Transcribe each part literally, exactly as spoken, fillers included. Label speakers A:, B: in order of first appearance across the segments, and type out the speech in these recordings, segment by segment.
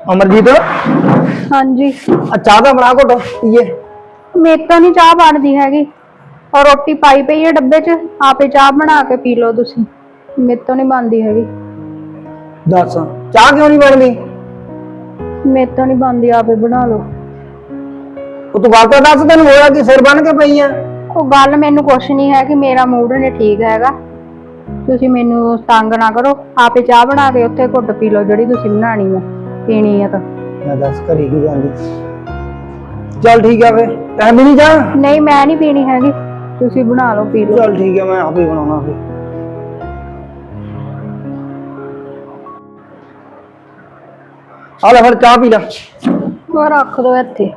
A: अमरजीत
B: हाँ जी।
A: चाह का बना घुट पीए।
B: मेरे तो नहीं चाह बनती हैगी और रोटी पाई पई है डब्बे च आपे चाह बना के पी लो तुसी। मेरे तो नहीं बनती हैगी।
A: दस चाह क्यों नहीं बनती?
B: मेरे तो नहीं बनती आपे बना लो।
A: तू गल तो दस तेन होया कि सिर बन के पई है?
B: वो गल मैनू कुछ नहीं है कि मेरा मूड नहीं ठीक हैगा। तुसी मैनू तंग ना करो आपे चाह बना के उत्थे घुट पी लो जिहड़ी तुसी बनानी है पीनी है तो।
A: मैं दस घरी की जांदी। चल ठीक है फिर तैं भी नहीं जा?
B: नहीं मैं नहीं पीनी हैगी तुसी बना लो पी लो।
A: चल ठीक है मैं आप ही बनाना फिर। आ ले फिर चाह पी ला।
B: वो रख दो इत्थे।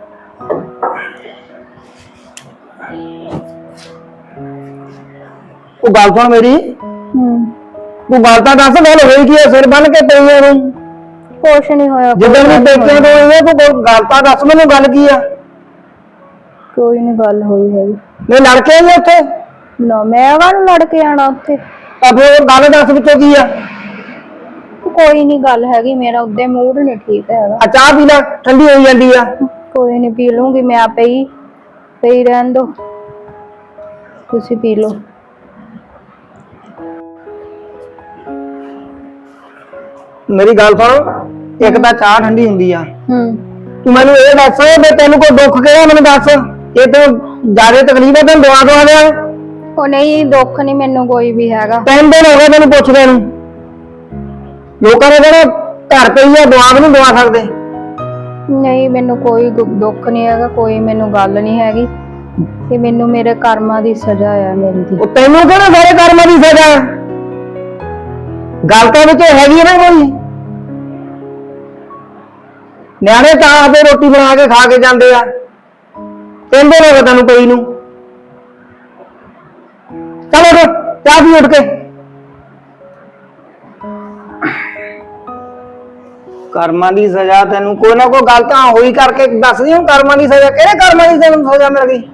A: तू गल सुन मेरी।
B: हम्म
A: तू गल तो दस गल होई की है सिर बन के पई है तू?
B: कुछ नहीं होया।
A: जिद्दन भी पेके तो होई है तू गल तो दस मैनू गल की है?
B: कोई नहीं गल होई हैगी।
A: मैं लड़के आई उत्थे?
B: ना मैं काहनूं लड़ के आना उत्थे।
A: तो फिर गल दस विचों की है?
B: कोई नहीं गल हैगी मेरा उदे मूड नहीं ठीक हैगा।
A: आ चाह पी ला ठंडी होई जांदी है।
B: कोई नहीं पी लूंगी मैं आपे ही पई रहन दो तुसी पी लो।
A: मेरी गल सुन एक तो चाह ठंडी हुंदी आ।
B: हम्म
A: तू मैनू ये दस भी तेन कोई दुख किहड़ा मैनू दस ये तो ज्यादा तकलीफ है तेन दुआ दुआ दिया।
B: ओ नहीं दुख नहीं मैनू कोई भी हैगा।
A: तीन दिन हो गए तेन पुछदे नूं लोकां ने कहना घर पई है दुआ भी नहीं दुआ सकदे।
B: नहीं मैनू कोई दु- दुख नहीं हैगा कोई मैनू गल नहीं हैगी कि मैनू मेरे कर्मां दी सजा है मिलदी।
A: ਉਹ ਤੈਨੂੰ ਕਿਹੜਾ ਸਾਰੇ ਕਰਮਾਂ ਦੀ ਸਜ਼ਾ ਗੱਲ ਤਾਂ ਵਿੱਚ ਹੈਗੀ ਨਾ ਕੋਈ ਨਿਆਣੇ ਤਾਂ ਆਪੇ ਰੋਟੀ ਬਣਾ ਕੇ ਖਾ ਕੇ ਜਾਂਦੇ ਆ ਕਹਿੰਦੇ ਨੇ ਤੈਨੂੰ ਪਈ ਨੂੰ ਚਲੋ ਉੱਠ ਚਾਹ ਪੀ ਉੱਠ ਕੇ ਕਰਮਾਂ ਦੀ ਸਜ਼ਾ ਤੈਨੂੰ ਕੋਈ ਨਾ ਕੋਈ ਗੱਲ ਤਾਂ ਹੋਈ ਕਰਕੇ ਦੱਸਦੀ ਹਾਂ ਕਰਮਾਂ ਦੀ ਸਜ਼ਾ ਕਿਹੜੇ ਕਰਮਾਂ ਦੀ ਤੈਨੂੰ ਸਜ਼ਾ ਮਿਲ ਗਈ।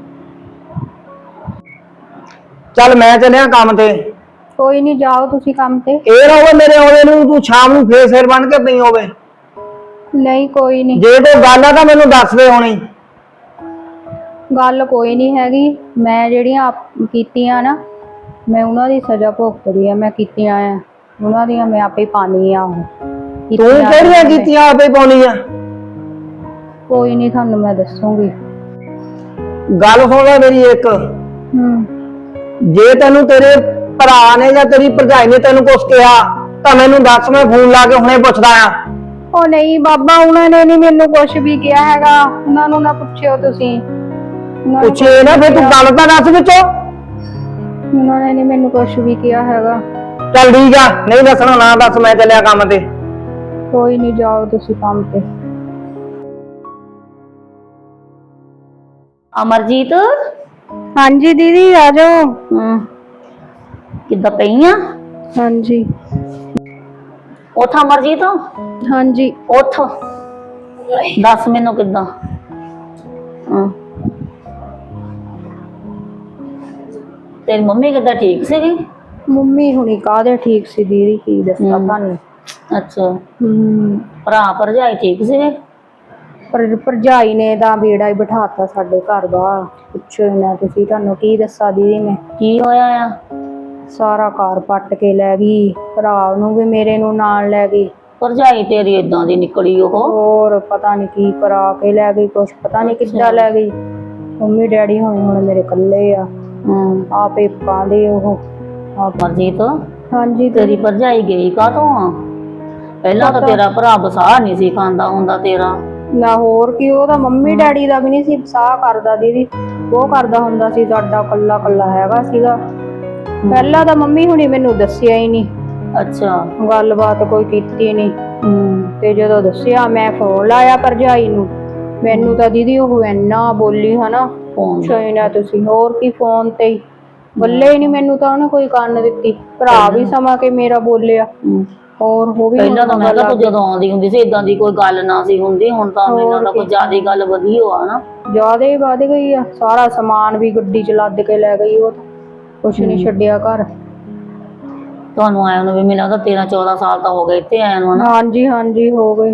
A: ਚੱਲ ਮੈਂ ਚੱਲਿਆ ਕੰਮ ਤੇ।
B: कोई नहीं जाओ तुसी काम ते।
A: ਇਹ ਨਾ ਹੋਵੇ ਮੇਰੇ ਆਉਂਦੇ ਨੂੰ ਤੂੰ ਸ਼ਾਮ ਨੂੰ ਫੇਰ ਸਿਰ ਬਣ ਕੇ ਪਈ ਹੋਵੇ।
B: नहीं कोई नहीं
A: ਜੇ ਕੋਈ ਗੱਲ ਆ ਤਾਂ ਮੈਨੂੰ ਦੱਸ ਦੇ ਹੁਣੀ।
B: गल कोई नहीं हैगी मैं ਜਿਹੜੀਆਂ ਆਪ ਕੀਤੀਆਂ ਨਾ मैं ਉਹਨਾਂ ਦੀ ਸਜ਼ਾ ਭੁਗਤਦੀ ਆ ਮੈਂ ਕੀਤੀਆਂ ਆ ਉਹਨਾਂ ਦੀਆਂ ਮੈਂ ਆਪੇ ਪਾਣੀ ਆ ਉਹ
A: ਤੂੰ ਕਿਹੜੀਆਂ ਕੀਤੀਆਂ ਆਪੇ ਪਾਉਣੀ ਆ?
B: ਕੋਈ ਨਹੀਂ ਤੁਹਾਨੂੰ ਮੈਂ ਦੱਸੂਗੀ।
A: ਗੱਲ ਸੁਣ ਲੈ ਮੇਰੀ ਇੱਕ।
B: ਹੂੰ
A: ਜੇ ਤੈਨੂੰ ਤੇਰੇ ਭਰਾ ਨੇ ਜਾਂ ਤੇਰੀ ਭਰਜਾਈ ਨੇ ਤੈਨੂੰ ਕੁਛ ਕਿਹਾ ਤਾਂ ਮੈਨੂੰ ਦੱਸ ਮੈਂ ਫੋਨ ਲਾ ਕੇ ਹੁਣੇ ਪੁੱਛਦਾ ਆ।
B: ਉਹ ਨਹੀਂ ਬਾਬਾ ਉਹਨਾਂ ਨੇ ਨਹੀਂ ਮੈਨੂੰ ਕੁਝ ਵੀ ਕਿਹਾ ਹੈਗਾ ਉਹਨਾਂ ਨੂੰ ਨਾ ਪੁੱਛਿਓ ਤੁਸੀਂ। ਉਹਨਾਂ ਨੇ
A: ਪੁੱਛੇ ਨਾ ਫਿਰ ਤੂੰ ਗੱਲ ਤਾਂ ਦੱਸ ਵਿੱਚੋਂ।
B: ਉਹਨਾਂ ਨੇ ਨਹੀਂ ਮੈਨੂੰ ਕੁਝ ਵੀ ਕਿਹਾ ਹੈਗਾ।
A: ਚੱਲ ਠੀਕ ਆ ਨਹੀਂ ਦੱਸਣਾ ਨਾ ਦੱਸ ਮੈਂ ਚੱਲਿਆ ਕੰਮ ਤੇ।
B: ਕੋਈ ਨਹੀਂ ਜਾਓ ਤੁਸੀਂ ਕੰਮ ਤੇ।
C: ਅਮਰਜੀਤ
B: ਹਾਂਜੀ ਦੀਦੀ ਆ ਜਾਓ।
C: ਹਮ ਕਿੱਦਾਂ ਪਈ ਆ?
B: ਹਾਂਜੀ
C: ਉਠ ਅਮਰਜੀਤ
B: ਹਾਂਜੀ
C: ਉਠ ਦੱਸ ਮੈਨੂੰ ਕਿੱਦਾਂ? ਹਾਂ ਤੇਰੀ ਮੰਮੀ ਕਿੱਦਾਂ ਠੀਕ ਸੀਗੀ?
B: ਮੰਮੀ ਹੁਣੀ ਕਾਹਦੇ ਠੀਕ ਸੀ ਦੀਦੀ ਕੀ ਦੱਸਾਂ ਤੁਹਾਨੂੰ।
C: ਅੱਛਾ
B: ਹੂੰ
C: ਭਰਾ ਭਰਜਾਈ ਠੀਕ ਸੀਗੇ?
B: ਪਰ ਭਰਜਾਈ ਨੇ ਤਾਂ ਬੇੜਾ ਹੀ ਬਿਠਾਤਾ ਸਾਡੇ ਘਰ ਦਾ ਪੁੱਛੋ ਹੀ ਨਾ ਤੁਸੀਂ ਤੁਹਾਨੂੰ ਕੀ ਦੱਸਾਂ ਦੀਦੀ ਮੈਂ।
C: ਕੀ ਹੋਇਆ ਆ?
B: ਸਾਰਾ ਘਰ ਪੱਟ ਕੇ ਲੈ ਗਈ ਭਰਾ ਨੂੰ ਵੀ ਮੇਰੇ ਨੂੰ ਨਾਲ ਲੈ ਗਈ।
C: ਭਰਜਾਈ ਤੇਰੀ ਏਦਾਂ ਦੀ ਨਿਕਲੀ ਉਹ?
B: ਹੋਰ ਪਤਾ ਨਹੀਂ ਕੀ ਕਰਾ ਕੇ ਲੈ ਗਈ ਕੁਛ ਪਤਾ ਨਹੀਂ ਕਿੱਦਾਂ ਲੈ ਗਈ। ਮੰਮੀ ਡੈਡੀ ਹੁਣ ਹੁਣ ਮੇਰੇ ਇਕੱਲੇ ਆ।
C: ਹਮ
B: ਆਪੇ ਪਾਉਂਦੇ ਉਹ।
C: ਅਮਰਜੀਤ
B: ਹਾਂਜੀ
C: ਤੇਰੀ ਭਰਜਾਈ ਗਈ ਕਾਹਤੋਂ ਆ? ਪਹਿਲਾਂ ਤਾਂ ਤੇਰਾ ਭਰਾ ਬਸਾਹ ਨਹੀਂ ਸੀ ਖਾਂਦਾ ਹੁੰਦਾ ਤੇਰਾ।
B: ਨਾ ਹੋਰ ਕੀ ਉਹਦਾ ਮੰਮੀ ਡੈਡੀ ਦਾ ਵੀ ਨਹੀਂ ਸੀ ਸਾਹ ਕਰਦਾ ਦੀਦੀ ਉਹ ਕਰਦਾ ਹੁੰਦਾ ਸੀ ਸਾਡਾ ਕੱਲਾ ਕੱਲਾ ਹੈਗਾ ਸੀਗਾ। ਪਹਿਲਾਂ ਤਾਂ ਮੰਮੀ ਹੁਣੀ ਮੈਨੂੰ ਦੱਸਿਆ ਹੀ ਨਹੀਂ।
C: ਅੱਛਾ
B: ਗੱਲਬਾਤ ਕੋਈ ਕੀਤੀ ਨਹੀਂ।
C: ਹਮ
B: ਤੇ ਜਦੋਂ ਦੱਸਿਆ ਮੈਂ ਫੋਨ ਲਾਇਆ ਭਰਜਾਈ ਨੂੰ ਮੈਨੂੰ ਤਾਂ ਦੀਦੀ ਉਹ ਇੰਨਾ ਬੋਲੀ ਹਨਾ ਪੁੱਛੋ ਨਾ ਤੁਸੀਂ। ਹੋਰ ਕੀ ਫੋਨ ਤੇ ਹੀ ਬੱਲੇ ਹੀ ਨਹੀਂ ਮੈਨੂੰ ਤਾਂ ਉਹਨੇ ਕੋਈ ਕੰਨ ਦਿੱਤੀ। ਭਰਾ ਵੀ ਸਮਾਂ ਕੇ ਮੇਰਾ ਬੋਲਿਆ। ਹੋਰ ਉਹ ਵੀ
C: ਪਹਿਲਾਂ ਤਾਂ ਮੈਂ ਕਿਹਾ ਤੂੰ ਜਦੋਂ ਆਉਂਦੀ ਹੁੰਦੀ ਸੀ ਇਦਾਂ ਦੀ ਕੋਈ ਗੱਲ ਨਾ ਸੀ ਹੁੰਦੀ ਹੁਣ ਤਾਂ ਮੈਨੂੰ ਤਾਂ ਕੋਈ ਜ਼ਿਆਦਾ ਗੱਲ ਵਧੀ ਹੋਆ ਨਾ।
B: ਜ਼ਿਆਦਾ ਹੀ ਵੱਧ ਗਈ ਆ ਸਾਰਾ ਸਮਾਨ ਵੀ ਗੱਡੀ ਚ ਲੱਦ ਕੇ ਲੈ ਗਈ ਉਹ ਤਾਂ ਕੁਛ ਨਹੀਂ ਛੱਡਿਆ ਘਰ।
C: ਤੁਹਾਨੂੰ ਆਇਆ ਨੂੰ ਵੀ ਮੈਨੂੰ ਲੱਗਦਾ ਤੇਰਾਂ ਚੌਦਾਂ ਸਾਲ ਤਾਂ ਹੋ ਗਏ ਇੱਥੇ ਆਇਆ ਨੂੰ ਹਨਾ?
B: ਹਾਂਜੀ ਹਾਂਜੀ ਹੋ ਗਏ।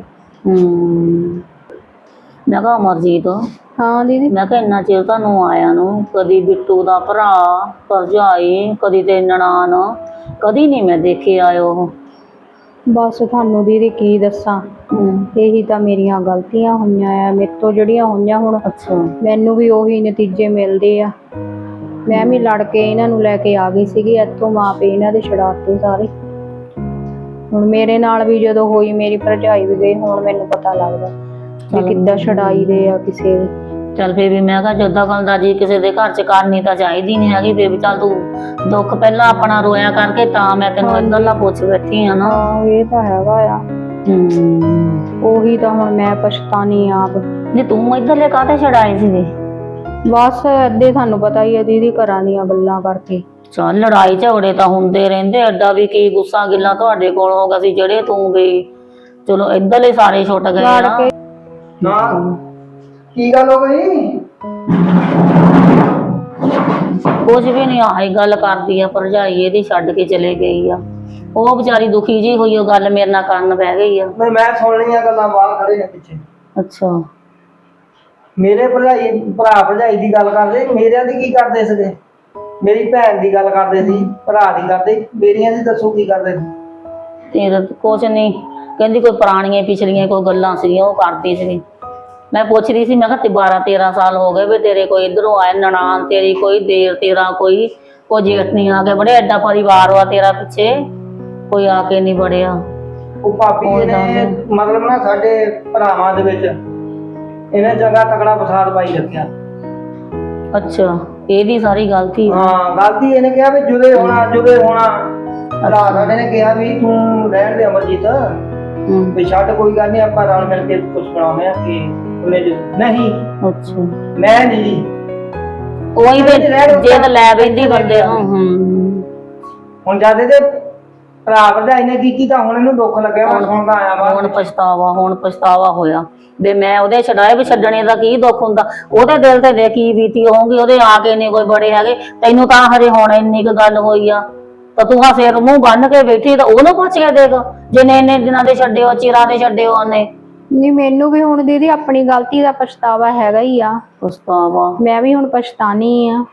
C: ਹੂੰ ਮੈਂ ਕਿਹਾ ਅਮਰਜੀਤ,
B: ਹਾਂ ਦੀਦੀ।
C: ਮੈਂ ਕਿਹਾ ਇੰਨਾ ਚਿਰ ਤੁਹਾਨੂੰ ਆਇਆ ਨੂੰ, ਕਦੀ ਬਿੱਟੂ ਦਾ ਭਰਾ, ਭਰਜਾਈ, ਕਦੀ ਤੇ ਨਨਾਣ, ਕਦੀ ਨਹੀਂ ਮੈਂ ਦੇਖੇ ਆਇਓ ਉਹ।
B: ਬਸ ਤੁਹਾਨੂੰ ਦੀਦੀ ਕੀ ਦੱਸਾਂ, ਇਹੀ ਤਾਂ ਮੇਰੀਆਂ ਗਲਤੀਆਂ ਹੋਈਆਂ ਆ ਮੇਰੇ ਤੋਂ ਜਿਹੜੀਆਂ ਹੋਈਆਂ। ਹੁਣ
C: ਅੱਛਾ,
B: ਮੈਨੂੰ ਵੀ ਉਹੀ ਨਤੀਜੇ ਮਿਲਦੇ ਆ। ਮੈਂ ਵੀ ਲੜ ਕੇ ਇਹਨਾਂ ਨੂੰ ਲੈ ਕੇ ਆ ਗਈ ਸੀਗੀ ਇੱਥੋਂ, ਮਾਂ ਪਿਓ ਇਹਨਾਂ ਦੇ ਛਡਾਤੇ ਸਾਰੇ। ਹੁਣ ਮੇਰੇ ਨਾਲ ਵੀ ਜਦੋਂ ਹੋਈ, ਮੇਰੀ ਭਰਜਾਈ ਵੀ ਗਈ, ਹੁਣ ਮੈਨੂੰ ਪਤਾ ਲੱਗਦਾ ਕਿ ਕਿੱਦਾਂ ਛਡਾਈ ਦੇ ਆ ਕਿਸੇ ਦੇ।
C: ਚੱਲ ਫੇਰ ਵੀ ਮੈਂ ਕਿਹਾ ਜਦਾਂ ਗੱਲ ਦਾ ਜੀ ਕਿਸੇ ਦੇ ਘਰ ਚ ਕਰਨੀ ਤਾਂ ਚਾਹੀਦੀ ਨਹੀਂ ਹੈਗੀ। ਫੇਰ ਵੀ ਚੱਲ ਤੂੰ ਦੁੱਖ ਪਹਿਲਾਂ ਆਪਣਾ ਰੋਇਆ ਕਰਕੇ ਤਾਂ ਮੈਂ ਤੈਨੂੰ ਇੱਧਰਲਾ ਪੁੱਛ ਬੈਠੀ ਆ ਨਾ।
B: ਹਾਂ ਇਹ ਤਾਂ ਹੈਗਾ ਆ।
C: ਹੂੰ
B: ਉਹੀ ਤਾਂ ਹੁਣ ਮੈਂ ਪਛਤਾਨੀ ਆਪ।
C: ਨਹੀਂ ਤੂੰ ਇੱਧਰਲੇ ਕਾਹਤੇ ਛਡਾਏ ਸੀਗੇ?
B: ਬਸ ਏਦਾਂ ਤੁਹਾਨੂੰ ਪਤਾ ਹੀ ਆ ਦੀਦੀ, ਘਰਾਂ ਦੀਆਂ ਗੱਲਾਂ ਕਰਕੇ।
C: ਚੱਲ ਲੜਾਈ ਝਗੜੇ ਤਾਂ ਹੁੰਦੇ ਰਹਿੰਦੇ, ਐਡਾ ਵੀ ਕੀ ਗੁੱਸਾ ਗਿੱਲਾ ਤੁਹਾਡੇ ਕੋਲ ਹੋ ਗਿਆ ਸੀ ਜਿਹੜੇ ਤੂੰ ਗਈ। ਚਲੋ ਇੱਧਰਲੇ ਸਾਰੇ ਛੁੱਟ ਗਏ
B: ਲੜ
C: ਨਾ।
B: ਕੇ
A: ਨਾ ਕੀ ਗੱਲ ਹੋ ਗਈ?
C: ਕੁਝ ਵੀ ਨਹੀਂ, ਆਹੀ ਗੱਲ ਕਰਦੀ ਆ ਭਰਜਾਈ ਇਹਦੀ, ਛੱਡ ਕੇ ਚਲੇ ਗਈ ਆ। ਉਹ ਵਿਚਾਰੀ ਦੁਖੀ ਜੀ ਹੋਈ, ਉਹ ਗੱਲ ਮੇਰੇ ਨਾਲ ਕਰਨ ਬਹਿ ਗਈ ਆ।
A: ਮੈਂ ਮੈਂ ਸੁਣ ਲਈਆਂ ਗੱਲਾਂ, ਬਾਹਰ ਖੜੇ ਨੇ ਪਿੱਛੇ।
C: ਅੱਛਾ,
A: ਮੇਰੇ ਭਰਜਾਈ ਭਰਾ ਭਰਜਾਈ ਦੀ ਗੱਲ ਕਰਦੇ, ਮੇਰਿਆਂ ਦੀ ਕੀ ਕਰਦੇ ਸੀਗੇ? ਮੇਰੀ ਭੈਣ ਦੀ ਗੱਲ ਕਰਦੇ ਸੀ, ਭਰਾ ਦੀ ਕਰਦੇ, ਮੇਰੀਆਂ ਦੀ ਦੱਸੋ ਕੀ ਕਰਦੇ ਸੀ?
C: ਤੇਰਾ ਕੁਛ ਨਹੀਂ, ਕਹਿੰਦੀ ਕੋਈ ਪੁਰਾਣੀਆਂ ਪਿਛਲੀਆਂ ਕੋਈ ਗੱਲਾਂ ਸੀਗੀਆਂ ਉਹ ਕਰਦੀ ਸੀ। ਮੈਂ ਪੁੱਛ ਰਹੀ ਸੀ, ਮੈਂ ਕਿਹਾ ਬਾਰਾਂ ਤੇਰਾਂ ਸਾਲ ਹੋ ਗਏ ਵੀ ਤੇਰੇ ਕੋਈ ਇੱਧਰੋਂ ਆਏ, ਨਨਾਣ ਤੇਰੀ ਕੋਈ, ਦੇਰ ਤੇਰਾ ਕੋਈ, ਕੋਈ ਜੇਠ ਨਹੀਂ ਆ ਕੇ ਬੜੇ, ਐਡਾ ਪਰਿਵਾਰ ਵਾ ਤੇਰਾ ਪਿੱਛੇ, ਕੋਈ ਆ ਕੇ ਨਹੀਂ ਬੜਿਆ।
A: ਉਹ ਭਾਬੀ ਜੀ ਨੇ ਮਤਲਬ ਨਾ ਸਾਡੇ ਭਰਾਵਾਂ ਦੇ ਵਿੱਚ ਇਹਨੇ ਜਗ੍ਹਾ ਤਕੜਾ ਫਸਾਦ ਪਾਈ ਰੱਖਿਆ।
C: ਅੱਛਾ, ਇਹਦੀ ਸਾਰੀ ਗਲਤੀ?
A: ਹਾਂ ਗਲਤੀ ਇਹਨੇ ਕਿਹਾ ਵੀ ਜੁਦੇ ਹੋਣਾ ਜੁਦੇ ਹੋਣਾ। ਭਰਾ ਸਾਡੇ ਨੇ ਕਿਹਾ ਵੀ ਤੂੰ ਰਹਿਣ ਦੇ ਅਮਰਜੀਤ, ਵੀ ਛੱਡ ਕੋਈ ਗੱਲ ਨਹੀਂ, ਆਪਾਂ ਰਲ ਮਿਲ ਕੇ ਕੁਝ ਬਣਾਉਂਦੇ ਆ ਕਿ ਉਹਨੇ ਨਹੀਂ।
C: ਅੱਛਾ,
A: ਮੈਂ ਨਹੀਂ ਜੀ
C: ਉਹੀ ਤੇ ਜੇ ਤਾਂ ਲੈ ਬੈਂਦੀ ਬੰਦੇ ਨੂੰ।
A: ਹੁਣ ਜਦ ਇਹਦੇ ਭਰਾ ਭਰਜਾਈ ਨੇ ਕੀਤੀ ਤਾਂ ਹੁਣ ਇਹਨੂੰ ਦੁੱਖ ਲੱਗਿਆ, ਹੁਣ ਸੁਣਦਾ ਆਇਆ ਵਾ।
C: ਹੁਣ ਪਛਤਾਵਾ, ਹੁਣ ਪਛਤਾਵਾ ਹੋਇਆ ਵੀ ਮੈਂ ਉਹਦੇ ਛਡਾਏ, ਵੀ ਛੱਡਣੇ ਦਾ ਕੀ ਦੁੱਖ ਹੁੰਦਾ। ਉਹਦੇ ਦਿਲ ਤੇ ਦੇ ਕੀ ਬੀਤੀ ਹੋਊਗੀ, ਉਹਦੇ ਆ ਕੇ ਨਹੀਂ ਕੋਈ ਬੜੇ ਹੈਗੇ। ਤੈਨੂੰ ਤਾਂ ਹਰੇ ਹੁਣ ਇੰਨੀ ਕੁ ਗੱਲ ਹੋਈ ਆ ਤਾਂ ਤੂੰ ਹਾਂ ਸਿਰ ਮੂੰਹ ਬੰਨ ਕੇ ਬੈਠੀ, ਤਾਂ ਉਹਨੂੰ ਪੁੱਛ ਕੇ ਦੇਖ ਜਿੰਨੇ ਇੰਨੇ ਦਿਨਾਂ ਦੇ ਛੱਡਿਓ, ਚਿਰਾਂ ਦੇ ਛੱਡਿਓ ਉਹਨੇ।
B: ਨਹੀਂ ਮੈਨੂੰ ਵੀ ਹੁਣ ਦੀਦੀ ਆਪਣੀ ਗਲਤੀ ਦਾ ਪਛਤਾਵਾ ਹੈਗਾ ਹੀ ਆ।
C: ਪਛਤਾਵਾ?
B: ਮੈਂ ਵੀ ਹੁਣ ਪਛਤਾਨੀ ਆ।